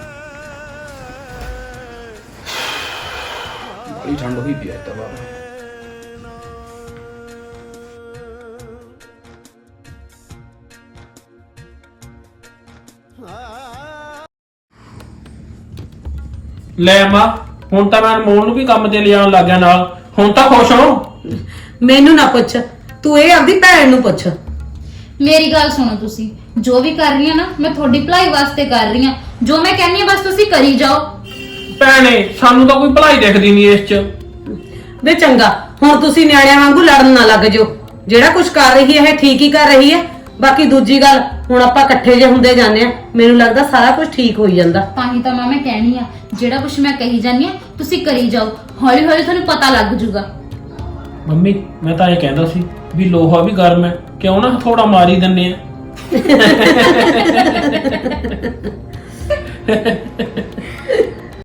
Speaker 4: ਬੜੀ ਠੰਡ ਹੋਈ ਪਈ ਐ ਤਾਂ ਬਾਹਰ।
Speaker 6: ਲੈ ਮਾਂ, ਹੁਣ ਤਾਂ ਮੈਂ ਅਨਮੋਲ ਨੂੰ ਵੀ ਕੰਮ ਤੇ ਲਿਜਾਣ ਲੱਗ ਗਿਆ ਨਾਲ। ਹੁਣ ਤਾਂ ਖੁਸ਼ ਹੋ?
Speaker 2: ਮੈਨੂੰ ਨਾ ਪੁੱਛ, ਤੂੰ ਇਹ ਆਪਦੀ ਭੈਣ ਨੂੰ ਪੁੱਛ।
Speaker 3: ਮੇਰੀ ਗੱਲ ਸੁਣੋ, ਤੁਸੀਂ ਜੋ ਵੀ ਕਰ ਰਹੀ ਆ ਨਾ, ਮੈਂ ਤੁਹਾਡੀ ਭਲਾਈ ਵਾਸਤੇ ਕਰ ਰਹੀ ਆ। ਜੋ ਮੈਂ ਕਹਿੰਨੀ ਆ ਬਸ ਤੁਸੀਂ ਕਰੀ ਜਾਓ।
Speaker 6: ਭੈਣੇ ਸਾਨੂੰ ਤਾਂ ਕੋਈ ਭਲਾਈ ਦਿਖਦੀ ਨਹੀਂ ਇਸ 'ਚ।
Speaker 2: ਵੇ ਚੰਗਾ, ਹੁਣ ਤੁਸੀਂ ਨਿਆਣਿਆਂ ਵਾਂਗੂ ਲੜਨ ਨਾ ਲੱਗ ਜਾਓ। ਜਿਹੜਾ ਕੁਝ ਕਰ ਰਹੀ ਹੈ ਇਹ ਠੀਕ ਹੀ ਕਰ ਰਹੀ ਹੈ। ਬਾਕੀ ਦੂਜੀ ਗੱਲ, ਹੁਣ ਆਪਾਂ ਇਕੱਠੇ ਜੇ ਹੁੰਦੇ ਜਾਂਦੇ ਆ, ਮੈਨੂੰ ਲੱਗਦਾ ਸਾਰਾ ਕੁਝ ਠੀਕ ਹੋਈ ਜਾਂਦਾ।
Speaker 3: ਤਾਂ ਹੀ ਤਾਂ ਮਾਂ ਮੈਂ ਕਹਿਣੀ ਆ, ਜਿਹੜਾ ਕੁਝ ਮੈਂ ਕਹੀ ਜਾਂਦੀ ਆ ਤੁਸੀਂ ਕਰੀ ਜਾਓ, ਹੌਲੀ ਹੌਲੀ ਤੁਹਾਨੂੰ ਪਤਾ ਲੱਗ ਜਾਊਗਾ।
Speaker 6: ਮੰਮੀ ਮੈਂ ਤਾਂ ਇਹ ਕਹਿੰਦਾ ਸੀ ਵੀ ਲੋਹਾ ਵੀ ਗਰਮ ਹੈ, ਕਿਉਂ ਨਾ ਥੋੜਾ ਮਾਰ ਹੀ ਦਿੰਨੇ ਆ।